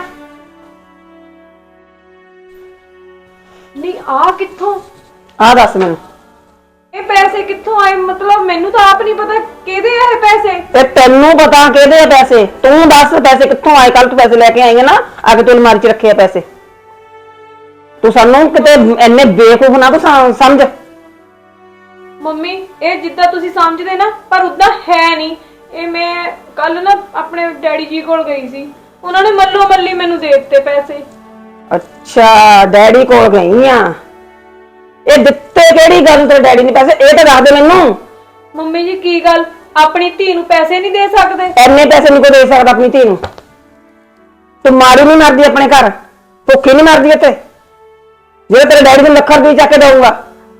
Speaker 4: ਨਹੀਂ ਆ ਕਿੱਥੋਂ?
Speaker 2: ਆਹ ਦੱਸ ਮੈਨੂੰ,
Speaker 4: ਇਹ ਪੈਸੇ ਕਿੱਥੋਂ ਆਏ? ਮਤਲਬ ਮੈਨੂੰ ਤਾਂ ਆਪ ਨਹੀਂ ਪਤਾ ਕਿਹਦੇ ਆ ਇਹ ਪੈਸੇ।
Speaker 2: ਤੇ ਤੈਨੂੰ ਪਤਾ ਕਿਹਦੇ ਆ ਪੈਸੇ? ਤੂੰ ਦੱਸ ਪੈਸੇ ਕਿੱਥੋਂ ਆਏ? ਕੱਲ ਤੂੰ ਪੈਸੇ ਲੈ ਕੇ ਆਈ ਹੈ ਨਾ, ਆ ਕੇ ਤੂੰ ਅਲਮਾਰੀ 'ਚ ਰੱਖੇ ਆ ਪੈਸੇ। ਤੂੰ ਸਾਨੂੰ ਕਿਤੇ ਇੰਨੇ ਬੇਵਕੂਫ ਨਾ ਤੂੰ ਸਮਝ।
Speaker 4: ਮੰਮੀ ਇਹ ਜਿੱਦਾਂ ਤੁਸੀਂ ਸਮਝਦੇ ਨਾ, ਪਰ ਉਦਾਂ ਹੈ ਨਹੀਂ। ਇਹ ਮੈਂ ਕੱਲ ਨਾ ਆਪਣੇ ਡੈਡੀ ਜੀ ਕੋਲ ਗਈ ਸੀ, ਉਹਨਾਂ ਨੇ ਮੱਲੋ ਮੱਲੀ ਮੈਨੂੰ ਦੇ ਦਿੱਤੇ ਪੈਸੇ।
Speaker 2: ਅੱਛਾ, ਡੈਡੀ ਕੋਲ ਗਈ ਆ। ਇਹ ਦਿੱਤੇ ਕਿਹੜੀ ਗੱਲ ਤੇ ਡੈਡੀ ਨੇ ਪੈਸੇ? ਇਹ ਤਾਂ ਦੱਸ ਦੇ ਮੈਨੂੰ।
Speaker 4: ਮੰਮੀ ਜੀ ਕੀ ਗੱਲ, ਆਪਣੀ ਧੀ ਨੂੰ ਪੈਸੇ ਨਹੀਂ ਦੇ ਸਕਦੇ?
Speaker 2: ਇੰਨੇ ਪੈਸੇ ਨਹੀਂ ਕੋਈ ਦੇ ਸਕਦਾ ਆਪਣੀ ਧੀ ਨੂੰ। ਤੂੰ ਮਾਰੀ ਨਹੀਂ ਮਰਦੀ ਆਪਣੇ ਘਰ, ਭੁੱਖੀ ਨਹੀਂ ਮਰਦੀ ਇੱਥੇ। ਜੇ ਤੇਰੇ ਡੈਡੀ ਨੂੰ ਲੱਖਾਂ ਰੁਪਏ ਚੱਕ ਕੇ ਦਊਗਾ,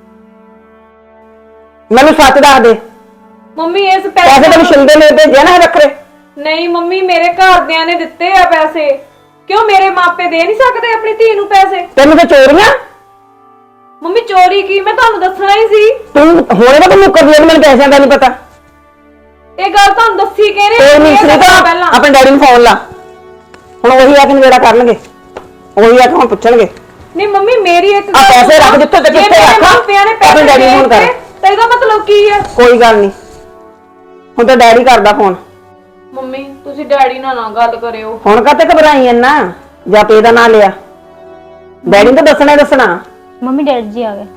Speaker 2: ਮੈਨੂੰ ਸੱਚ ਦੱਸ ਦੇ।
Speaker 4: ਮੰਮੀ ਇਸ
Speaker 2: ਪੈਸੇ ਤੈਨੂੰ ਸ਼ਿੰਦੇ ਨੇ ਭੇਜਿਆ ਨਾ ਰੱਖਰੇ?
Speaker 4: ਨਹੀਂ ਮੰਮੀ, ਮੇਰੇ ਘਰਦਿਆਂ ਨੇ ਦਿੱਤੇ ਆ ਪੈਸੇ। ਕਿਉਂ ਮੇਰੇ ਮਾਪੇ ਦੇ ਨਹੀਂ ਸਕਦੇ ਆਪਣੀ ਧੀ ਨੂੰ ਪੈਸੇ?
Speaker 2: ਤੈਨੂੰ ਤਾਂ ਚੋਰੀਆਂ।
Speaker 4: ਮੰਮੀ ਚੋਰੀ ਕੀ, ਮੈਂ ਤੁਹਾਨੂੰ ਦੱਸਣਾ ਹੀ ਸੀ।
Speaker 2: ਤੂੰ ਹੁਣੇ ਤਾਂ ਮੁੱਕਰ ਲਈ, ਮੈਨੂੰ ਪੈਸਿਆਂ ਦਾ ਨਹੀਂ ਪਤਾ।
Speaker 4: ਇਹ ਗੱਲ ਤੁਹਾਨੂੰ ਦੱਸੀ ਕਿਹਨੇ?
Speaker 2: ਕੋਈ ਨਹੀਂ, ਸੁਨੀਤਾ ਆਪਣੇ ਡੈਡੀ ਨੂੰ ਫੋਨ ਲਾ। ਹੁਣ ਉਹੀ ਆ ਕੇ ਨਵੇੜਾ ਕਰਨਗੇ, ਉਹੀ ਆ ਕੇ ਹੁਣ ਪੁੱਛਣਗੇ।
Speaker 4: ਨਹੀਂ ਮੰਮੀ ਮੇਰੀ ਇੱਕ
Speaker 2: ਆ ਪੈਸੇ ਰੱਖ ਜਿੱਥੇ ਤੇ ਕਿੱਥੇ ਰੱਖ, ਆਪਣੇ ਡੈਡੀ ਨੂੰ ਫੋਨ ਕਰ।
Speaker 4: ਤੇ ਇਹਦਾ ਮਤਲਬ ਕੀ ਹੈ?
Speaker 2: ਕੋਈ ਗੱਲ ਨਹੀਂ, ਹੁਣ ਤਾਂ ਡੈਡੀ ਕਰਦਾ ਫੋਨ।
Speaker 4: ਮੰਮੀ ਤੁਸੀਂ ਡੈਡੀ ਨਾਲ ਨਾ ਗੱਲ ਕਰਿਓ।
Speaker 2: ਹੁਣ ਕਾਤੇ ਘਬਰਾਈ ਐਨਾ? ਜਾਂ ਪੇ ਦਾ ਨਾਂ ਲਿਆ, ਡੈਡੀ ਨੂੰ ਤਾਂ ਦੱਸਣਾ ਹੀ ਦੱਸਣਾ।
Speaker 1: ਮੰਮੀ ਡੈਡੀ ਜੀ ਆ ਗਏ।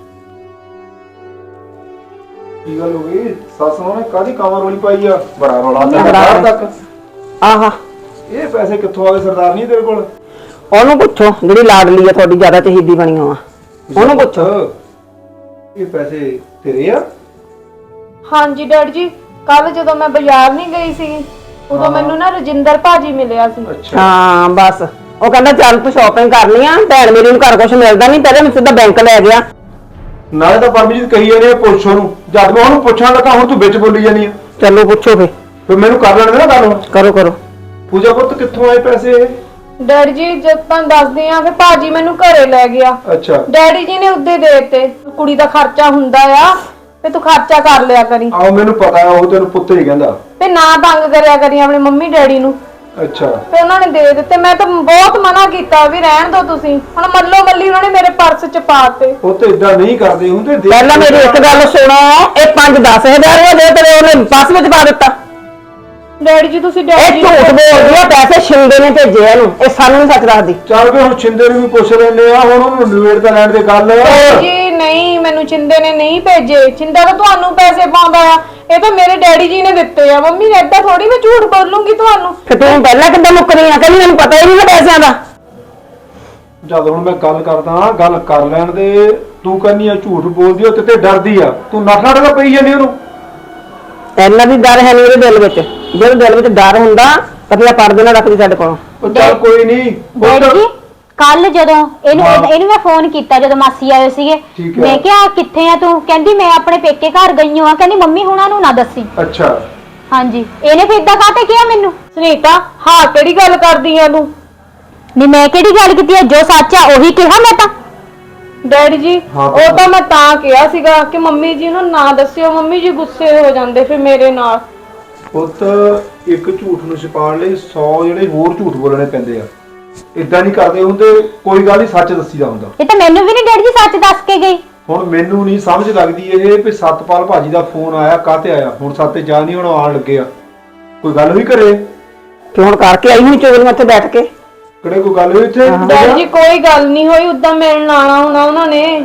Speaker 3: ਕੀ ਗੱਲ ਹੋ ਗਈ? ਸੱਸ ਨੇ ਕਾਹਦੀ ਕਾਮਰ ਰੋਲੀ ਪਾਈ ਆ? ਬੜਾ ਰੌਲਾ ਪਿਆ
Speaker 2: ਬੜਾ
Speaker 3: ਬਾਹਰ ਤੱਕ।
Speaker 2: ਆਹਾ,
Speaker 3: ਇਹ ਪੈਸੇ ਕਿੱਥੋਂ ਆ ਗਏ ਸਰਦਾਰ ਨਹੀਂ ਤੇਰੇ ਕੋਲ?
Speaker 2: ਉਹਨੂੰ ਪੁੱਛੋ ਜਿਹੜੀ ਲਾਡਲੀ ਆ ਤੁਹਾਡੀ, ਜ਼ਿਆਦਾ ਚਹੀਦੀ ਬਣੀ ਆ। ਉਹਨੂੰ ਪੁੱਛੋ।
Speaker 3: ਇਹ ਪੈਸੇ ਤੇਰੇ ਆ?
Speaker 4: ਹਾਂਜੀ ਡੈਡੀ ਜੀ, ਕੱਲ ਜਦੋਂ ਮੈਂ ਬਾਜ਼ਾਰ ਨਹੀਂ ਗਈ ਸੀ, ਉਦੋਂ ਮੈਨੂੰ ਨਾ ਰਜਿੰਦਰ ਭਾਜੀ ਮਿਲਿਆ ਸੀ।
Speaker 3: ਅੱਛਾ,
Speaker 2: ਹਾਂ ਬਸ, ਉਹ ਕਹਿੰਦਾ ਚੱਲ ਤੂੰ ਸ਼ਾਪਿੰਗ ਕਰਨੀ ਆ, ਭੈਣ ਮੇਰੀ ਨੂੰ ਘਰ ਕੁਝ ਮਿਲਦਾ ਨਹੀਂ, ਪਹਿਲੇ ਮੈਨੂੰ ਸਿੱਧਾ ਬੈਂਕ ਲੈ ਗਿਆ।
Speaker 3: ਨਾਲੇ ਤਾਂ ਪਰਮਜੀਤ ਕਹੀ ਜਾਂਦੇ ਆ ਪੁੱਛ ਉਹਨੂੰ। ਜਦ ਮੈਂ ਉਹਨੂੰ ਪੁੱਛਣ ਲੱਗਾ ਹੁਣ ਤੂੰ ਵਿੱਚ ਬੋਲੀ ਜਾਂਦੀ ਆ।
Speaker 2: ਚਲੋ ਪੁੱਛੋ
Speaker 3: ਫਿਰ ਮੈਨੂੰ ਕਰ ਲੈਣ ਦੇ ਨਾ ਗੱਲ।
Speaker 2: ਕਰੋ ਕਰੋ।
Speaker 3: ਪੂਜਾ ਪੁੱਤ ਕਿੱਥੋਂ ਆਏ ਪੈਸੇ ਇਹ?
Speaker 4: ਡੈਡੀ ਜੀ ਜਦ ਤਾਂ ਦੱਸਦੇ ਆ, ਫਿਰ ਭਾਜੀ ਮੈਨੂੰ ਘਰੇ ਲੈ ਗਿਆ।
Speaker 3: ਅੱਛਾ,
Speaker 4: ਡੈਡੀ ਜੀ ਨੇ ਉੱਦੇ ਦੇ ਦਿੱਤੇ। ਕੁੜੀ ਦਾ ਖਰਚਾ ਹੁੰਦਾ ਆ, ਤੇ ਤੂੰ ਖਰਚਾ ਕਰ ਲਿਆ ਕਰੀ,
Speaker 3: ਆਓ ਮੈਨੂੰ ਪਤਾ ਉਹ ਤੈਨੂੰ ਪੁੱਤ ਹੀ ਕਹਿੰਦਾ।
Speaker 4: ਤੇ ਨਾ ਤੰਗ ਕਰਿਆ ਕਰੀ ਆਪਣੇ ਮੰਮੀ ਡੈਡੀ ਨੂੰ।
Speaker 3: ਅੱਛਾ,
Speaker 4: ਤੇ ਉਹਨਾਂ ਨੇ ਦੇ ਦਿੱਤੇ। ਮੈਂ ਤਾਂ ਬਹੁਤ ਮਨਾ ਕੀਤਾ ਵੀ ਰਹਿਣ ਦਿਓ ਤੁਸੀਂ। ਹੁਣ ਮੱਲੋ ਮੱਲੀ ਉਹਨਾਂ ਨੇ ਮੇਰੇ ਪਰਸ ਚ ਪਾਤੇ।
Speaker 3: ਉਹ ਤੇ ਇਦਾਂ ਨਹੀਂ ਕਰਦੇ ਹੁੰਦੇ।
Speaker 2: ਪਹਿਲਾਂ ਮੇਰੀ ਇੱਕ ਗੱਲ ਸੁਣੋ, ਇਹ 5-10 ਹਜ਼ਾਰ ਹੋ ਗਏ ਤੇਰੇ ਉਹਨੇ ਬੱਸ ਵਿੱਚ ਪਾ ਦਿੱਤਾ।
Speaker 4: ਡੈਡੀ ਜੀ ਤੁਸੀਂ
Speaker 2: ਇਹ
Speaker 4: ਡੈਡੀ
Speaker 2: ਝੂਠ ਬੋਲਦੀ ਆ, ਪੈਸੇ ਸ਼ਿੰਦੇ ਨੇ ਭੇਜੇ ਇਹਨੂੰ, ਇਹ ਸਾਨੂੰ ਨਹੀਂ ਸੱਚ ਦੱਸਦੀ।
Speaker 3: ਚੱਲ ਵੀ ਹੁਣ ਛਿੰਦੇ ਨੂੰ ਵੀ ਪੁੱਛ ਲੈਂਦੇ ਆ, ਹੁਣ ਉਹਨੂੰ ਨਿਬੇੜ ਤਾਂ ਲੈਣ ਦੇ ਗੱਲ।
Speaker 4: ਜੀ ਨਹੀਂ, ਮੈਨੂੰ ਚਿੰਦੇ ਨੇ ਨਹੀਂ ਭੇਜੇ। ਚਿੰਦਾ ਤਾਂ ਤੁਹਾਨੂੰ ਪੈਸੇ ਪਾਉਂਦਾ ਆ, ਇਹ ਤਾਂ ਮੇਰੇ ਡੈਡੀ ਜੀ ਨੇ ਦਿੱਤੇ ਆ। ਮੰਮੀ ਏਦਾਂ ਥੋੜੀ ਮੈਂ ਝੂਠ ਬੋਲੂੰਗੀ ਤੁਹਾਨੂੰ।
Speaker 2: ਕਿ ਤੂੰ ਪਹਿਲਾਂ ਕਿੱਦਾਂ ਮੁੱਕਰੀ ਆ? ਕਹਿੰਦੀ ਮੈਨੂੰ ਪਤਾ ਹੀ ਨਹੀਂ ਪੈਸਿਆਂ ਦਾ।
Speaker 3: ਜਦ ਹੁਣ ਮੈਂ ਗੱਲ ਕਰਦਾ ਗੱਲ ਕਰ ਲੈਣ ਦੇ। ਤੂੰ ਕਹਿੰਦੀ ਆ ਝੂਠ ਬੋਲਦੀ ਆ ਤੇ ਡਰਦੀ ਆ। ਤੂੰ ਨੱਠ ਤਾਂ ਪਈ ਜਾਂਦੀ ਉਹਨੂੰ।
Speaker 2: ਇੰਨਾ ਵੀ ਡਰ ਹੈ ਨਹੀਂ ਉਹਦੇ ਦਿਲ ਵਿੱਚ। ਜਦੋਂ ਦਿਲ ਵਿੱਚ ਡਰ ਹੁੰਦਾ ਤਾਂ ਫਿਰ ਪਰਦੇ ਨਾਲ ਰੱਖਦੀ ਸਾਡੇ ਕੋਲੋਂ।
Speaker 3: ਉਹ ਚੱਲ ਕੋਈ ਨਹੀਂ।
Speaker 1: ਡੈਡੀ ਜੀ ਕੱਲ ਜਦੋਂ ਇਹਨੂੰ ਮੈਂ ਫੋਨ ਕੀਤਾ ਜਦੋਂ ਮਾਸੀ ਆਏ ਸੀਗੇ,
Speaker 3: ਠੀਕ ਹੈ।
Speaker 1: ਮੈਂ ਕਿਹਾ ਕਿੱਥੇ ਆ ਤੂੰ? ਕਹਿੰਦੀ ਮੈਂ ਆਪਣੇ ਪੇਕੇ ਘਰ ਗਈ ਹਾਂ। ਕਹਿੰਦੀ ਮੰਮੀ ਹੁਣਾਂ ਨੂੰ ਨਾ ਦੱਸੀ।
Speaker 3: ਅੱਛਾ
Speaker 1: ਹਾਂਜੀ ਇਹਨੇ ਫਿਰ ਇਦਾਂ ਕਾਹਤੇ ਕਿਹਾ ਮੈਨੂੰ?
Speaker 4: ਸੁਨੀਤਾ ਹਾਂ ਕਿਹੜੀ ਗੱਲ ਕਰਦੀ ਆ ਤੂੰ?
Speaker 1: ਨਹੀਂ ਮੈਂ ਕਿਹੜੀ ਗੱਲ ਕੀਤੀ ਹੈ? ਜੋ ਸੱਚ ਆ ਉਹੀ ਕਿਹਾ ਮੈਂ ਤਾਂ।
Speaker 4: ਡੈਡੀ ਜੀ
Speaker 3: ਹਾਂ
Speaker 4: ਉਹ ਤਾਂ ਮੈਂ ਤਾਂ ਕਿਹਾ ਸੀਗਾ ਕਿ ਮੰਮੀ ਜੀ ਨੂੰ ਨਾ ਦੱਸਿਓ, ਮੰਮੀ ਜੀ ਗੁੱਸੇ ਹੋ ਜਾਂਦੇ ਫਿਰ ਮੇਰੇ ਨਾਲ।
Speaker 3: ਪੁੱਤ ਇੱਕ ਝੂਠ ਨੂੰ ਛੁਪਾਉਣ ਲਈ 100 ਜਿਹੜੇ ਹੋਰ ਝੂਠ ਬੋਲਣੇ ਪੈਂਦੇ ਆ। ਇਦਾਂ ਨਹੀਂ ਕਰਦੇ ਹੁੰਦੇ। ਕੋਈ ਗੱਲ ਨਹੀਂ, ਸੱਚ ਦੱਸੀਦਾ ਹੁੰਦਾ।
Speaker 1: ਇਹ ਤਾਂ ਮੈਨੂੰ ਵੀ ਨਹੀਂ ਡੈਡੀ ਜੀ ਸੱਚ ਦੱਸ ਕੇ ਗਈ।
Speaker 3: ਹੁਣ ਮੈਨੂੰ ਨਹੀਂ ਸਮਝ ਲੱਗਦੀ ਇਹ ਵੀ ਸਤਪਾਲ ਭਾਜੀ ਦਾ ਫੋਨ ਆਇਆ ਕਾਹਤੇ ਆਇਆ। ਹੁਣ ਸਾਤੇ ਜਾ ਨਹੀਂ ਹੁਣ ਆਉਣ ਲੱਗੇ ਆ। ਕੋਈ ਗੱਲ ਵੀ ਕਰੇ
Speaker 2: ਕਿ ਹੁਣ ਕਰਕੇ ਆਈ ਨਹੀਂ ਚੋਗਲੀਆਂ ਉੱਥੇ ਬੈਠ ਕੇ।
Speaker 3: ਕਿਹੜੇ ਕੋਈ ਗੱਲ ਹੋਈ ਇੱਥੇ?
Speaker 4: ਡੈਡੀ ਜੀ ਕੋਈ ਗੱਲ ਨਹੀਂ ਹੋਈ, ਉਦਾਂ ਮਿਲਣ ਆਣਾ ਹੋਣਾ ਉਹਨਾਂ ਨੇ।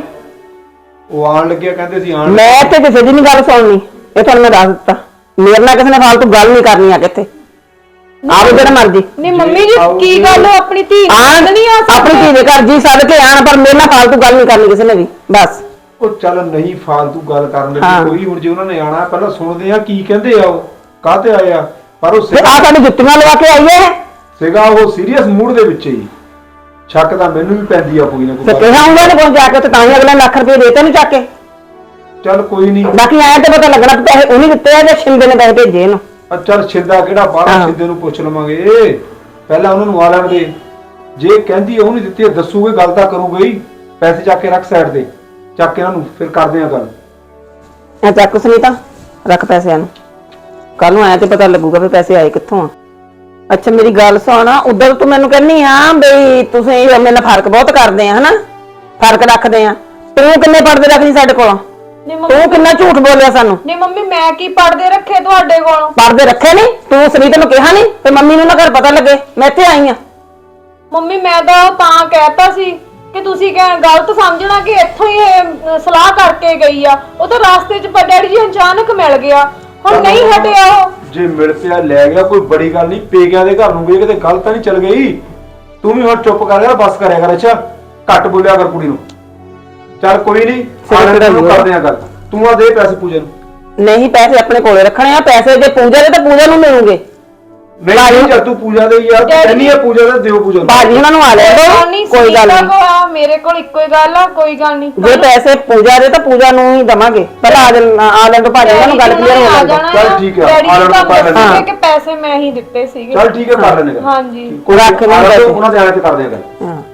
Speaker 3: ਉਹ ਆਉਣ ਲੱਗਿਆ ਕਹਿੰਦੇ ਸੀ ਆਉਣ।
Speaker 2: ਮੈਂ ਇੱਥੇ ਕਿਸੇ ਦੀ ਨਹੀਂ ਗੱਲ ਸੁਣਨੀ। ਇਹ ਤੁਹਾਨੂੰ ਮੈਂ ਦੱਸ ਦਿੱਤਾ। ਮੇਰੇ ਨਾਲ ਕਿਸੇ ਨੇ ਫਾਲਤੂ ਗੱਲ ਨਹੀਂ ਕਰਨੀ ਆ ਕਿੱਥੇ। ਆਵੇ ਜਿਹੜਾ ਮਰਜੀ
Speaker 4: ਨਹੀਂ ਮੰਮੀ ਜੀ ਕੀ ਗੱਲ ਹੋ ਆਪਣੀ ਧੀ
Speaker 2: ਆਣ
Speaker 4: ਨਹੀਂ ਆ
Speaker 2: ਆਪਣੀ ਧੀ ਦੇ ਘਰ ਜੀ ਸੱਦ ਕੇ ਆਣ, ਪਰ ਮੇਰੇ ਨਾਲ ਫਾਲਤੂ ਗੱਲ ਨਹੀਂ ਕਰਨੀ ਕਿਸੇ ਨੇ ਵੀ। ਬਸ
Speaker 3: ਉਹ ਚੱਲ ਨਹੀਂ ਫਾਲਤੂ ਗੱਲ ਕਰਨ
Speaker 2: ਹਾਂ।
Speaker 3: ਲੱਗੀ ਕੋਈ। ਹੁਣ ਜੇ ਉਹਨਾਂ ਨੇ ਆਣਾ ਪਹਿਲਾਂ ਸੁਣਦੇ ਆ ਕੀ ਕਹਿੰਦੇ ਆ ਉਹ ਕਾਹਤੇ ਆਏ ਆ। ਪਰ ਉਹ
Speaker 2: ਤੇ ਆ ਸਾਡੀ ਜੁੱਤੀਆਂ ਲਵਾ ਕੇ ਆਈ ਹੈ।
Speaker 3: ਸੀਗਾ ਉਹ ਸੀਰੀਅਸ ਮੂਡ ਦੇ ਵਿੱਚ ਹੀ। ਸ਼ੱਕ ਤਾਂ ਮੈਨੂੰ ਵੀ ਪੈਂਦੀ ਆ ਕੋਈ ਨਾ
Speaker 2: ਤੇ
Speaker 3: ਕੋਈ।
Speaker 2: ਕਿਹਾ ਹੁੰਦਾ ਨੇ ਕੋਲ ਜਾ ਕੇ ਤੇ ਤਾਂ ਹੀ ਅਗਲੇ ਲੱਖ ਰੁਪਏ ਦੇਤੇ ਨਹੀਂ ਚੱਕ ਕੇ।
Speaker 3: ਚੱਲ ਕੋਈ ਨਹੀਂ।
Speaker 2: ਬਾਕੀ ਆਇਆ ਤੇ ਪਤਾ ਲੱਗਣਾ ਕਿ ਪੈਸੇ ਉਹਨੇ ਦਿੱਤੇ ਆ ਜਾਂ ਸ਼ਿੰਦੇ ਨੇ ਪੈਸੇ ਭੇਜੇ ਇਹਨੂੰ।
Speaker 3: ਚੱਲ ਛਿੰਦਾ ਕਿਹੜਾ ਬਾਹਰ
Speaker 2: ਹਾਂ।
Speaker 3: ਛਿੰਦੇ ਨੂੰ ਪੁੱਛ ਲਵਾਂਗੇ। ਪਹਿਲਾਂ ਉਹਨਾਂ ਨੂੰ ਆ ਲੈਣ ਦੇ। ਜੇ ਕਹਿੰਦੀ ਉਹ ਨਹੀਂ ਦਿੱਤੀ ਦੱਸੂਗੇ ਗੱਲ ਤਾਂ ਕਰੂਗਾ ਹੀ। ਪੈਸੇ ਚੱਕ ਕੇ ਰੱਖ ਸਾਈਡ ਤੇ, ਚੱਕ ਕੇ ਇਹਨਾਂ ਨੂੰ ਫਿਰ ਕਰਦੇ ਆ ਗੱਲ।
Speaker 2: ਐ ਚੱਕ ਸੁਨੀਤਾ ਰੱਖ ਪੈਸਿਆਂ ਨੂੰ। ਕੱਲ ਨੂੰ ਆਇਆ ਤੇ ਪਤਾ ਲੱਗੂਗਾ ਵੀ ਪੈਸੇ ਆਏ ਕਿੱਥੋਂ ਆ। ਅੱਛਾ ਮੇਰੀ ਗੱਲ ਸੁਣ, ਉਧਰ ਤੂੰ ਮੈਨੂੰ ਕਹਿੰਨੀ ਆ ਬਈ ਤੁਸੀਂ ਮੇਰੇ ਨਾਲ ਫਰਕ ਬਹੁਤ ਕਰਦੇ ਆ ਹਨਾ, ਫਰਕ ਰੱਖਦੇ ਆ। ਤੂੰ ਕਿੰਨੇ ਪਰਦੇ ਰੱਖਦੀ ਸਾਡੇ ਕੋਲੋਂ?
Speaker 4: ਨਹੀਂ ਮੰਮੀ
Speaker 2: ਤੂੰ ਕਿੰਨਾ ਝੂਠ ਬੋਲਿਆ ਸਾਨੂੰ।
Speaker 4: ਨਹੀਂ ਮੰਮੀ ਮੈਂ ਕੀ ਪੜਦੇ ਰੱਖੇ ਤੁਹਾਡੇ ਕੋਲੋਂ?
Speaker 2: ਪਰਦੇ ਰੱਖੇ ਨਹੀਂ ਤੂੰ ਸੁਨੀਤਾ ਨੂੰ ਕਿਹਾ ਨਹੀਂ ਤੇ ਮੰਮੀ ਨੂੰ ਨਾ ਘਰ ਪਤਾ ਲੱਗੇ ਮੈਂ ਇੱਥੇ ਆਈ ਆ।
Speaker 4: ਮੰਮੀ ਮੈਂ ਤਾਂ ਕਹਿਤਾ ਸੀ ਕਿ ਤੁਸੀਂ ਗਲਤ ਸਮਝਣਾ ਕਿ ਇੱਥੋਂ ਹੀ ਇਹ ਸਲਾਹ ਕਰਕੇ ਗਈ ਆ। ਉਹ ਤਾਂ ਰਾਸਤੇ 'ਚ ਡੈਡੀ ਜੀ ਅਚਾਨਕ ਮਿਲ ਗਿਆ, ਹੁਣ ਨਹੀਂ ਹਟਿਆ ਉਹ।
Speaker 3: ਜੇ ਮਿਲ ਪਿਆ ਲੈ ਗਿਆ ਕੋਈ ਬੜੀ ਗੱਲ ਨਹੀਂ। ਪੇਕਿਆਂ ਦੇ ਘਰ ਨੂੰ ਗਈ ਕਿਤੇ ਗੱਲ ਤਾਂ ਨਹੀਂ ਚੱਲ ਗਈ। ਤੂੰ ਵੀ ਹੁਣ ਚੁੱਪ ਕਰ ਯਾਰ, ਬਸ ਕਰਿਆ ਕਰ। ਅੱਛਾ ਘੱਟ ਬੋਲਿਆ ਕਰ ਕੁੜੀ ਨੂੰ। ਚੱਲ ਕੋਈ ਨਹੀਂ ਕਰਦੇ ਆ ਗੱਲ। ਤੂੰ ਆ ਦੇ ਪੈਸੇ ਪੂਜਾ ਨੂੰ।
Speaker 2: ਨਹੀਂ ਪੈਸੇ ਆਪਣੇ ਕੋਲੇ ਰੱਖਣੇ ਆ। ਪੈਸੇ ਜੇ ਪੂਜਾ ਦੇ ਤਾਂ ਪੂਜਾ ਨੂੰ ਮਿਲੂਗੇ।
Speaker 3: ਨਹੀਂ ਜਦ ਤੂੰ ਪੂਜਾ ਦੇ ਯਾਰ ਕਹਿੰਦੀ ਆ ਪੂਜਾ ਦਾ ਦਿਓ ਪੂਜਾ ਨੂੰ।
Speaker 2: ਬਾਜੀ ਉਹਨਾਂ ਨੂੰ ਆ ਲੈ ਦੋ, ਕੋਈ ਗੱਲ ਨਹੀਂ।
Speaker 4: ਮੇਰੇ ਕੋਲ ਇੱਕੋ ਹੀ ਗੱਲ ਆ, ਕੋਈ ਗੱਲ ਨਹੀਂ।
Speaker 2: ਜੇ ਪੈਸੇ ਪੂਜਾ ਦੇ ਤਾਂ ਪੂਜਾ ਨੂੰ ਹੀ ਦਵਾਂਗੇ। ਪਹਿਲਾਂ ਆ ਲੈਣ ਤੋਂ ਭਾਜੀ ਉਹਨਾਂ ਨੂੰ ਗੱਲ ਕਲੀਅਰ ਹੋ ਜਾਊਗਾ।
Speaker 3: ਚੱਲ ਠੀਕ ਆ,
Speaker 4: ਡੈਡੀ
Speaker 3: ਆ ਲੈਣ ਤੋਂ
Speaker 4: ਜੀ
Speaker 3: ਪਾ ਲੈਣੇ।
Speaker 4: ਕਿ ਪੈਸੇ ਮੈਂ ਹੀ ਦਿੱਤੇ ਸੀਗੇ।
Speaker 3: ਚੱਲ ਠੀਕ ਹੈ ਕਰ ਲੈਣੇ ਗੱਲ।
Speaker 4: ਹਾਂਜੀ
Speaker 3: ਕੋਈ
Speaker 2: ਰੱਖ ਲੈਣੇ
Speaker 3: ਉਹਨਾਂ
Speaker 2: ਪੈਸੇ।
Speaker 3: ਦੇ ਆਣੇ ਤੇ ਕਰਦੇ ਆ ਗੱਲ।
Speaker 2: ਹਾਂ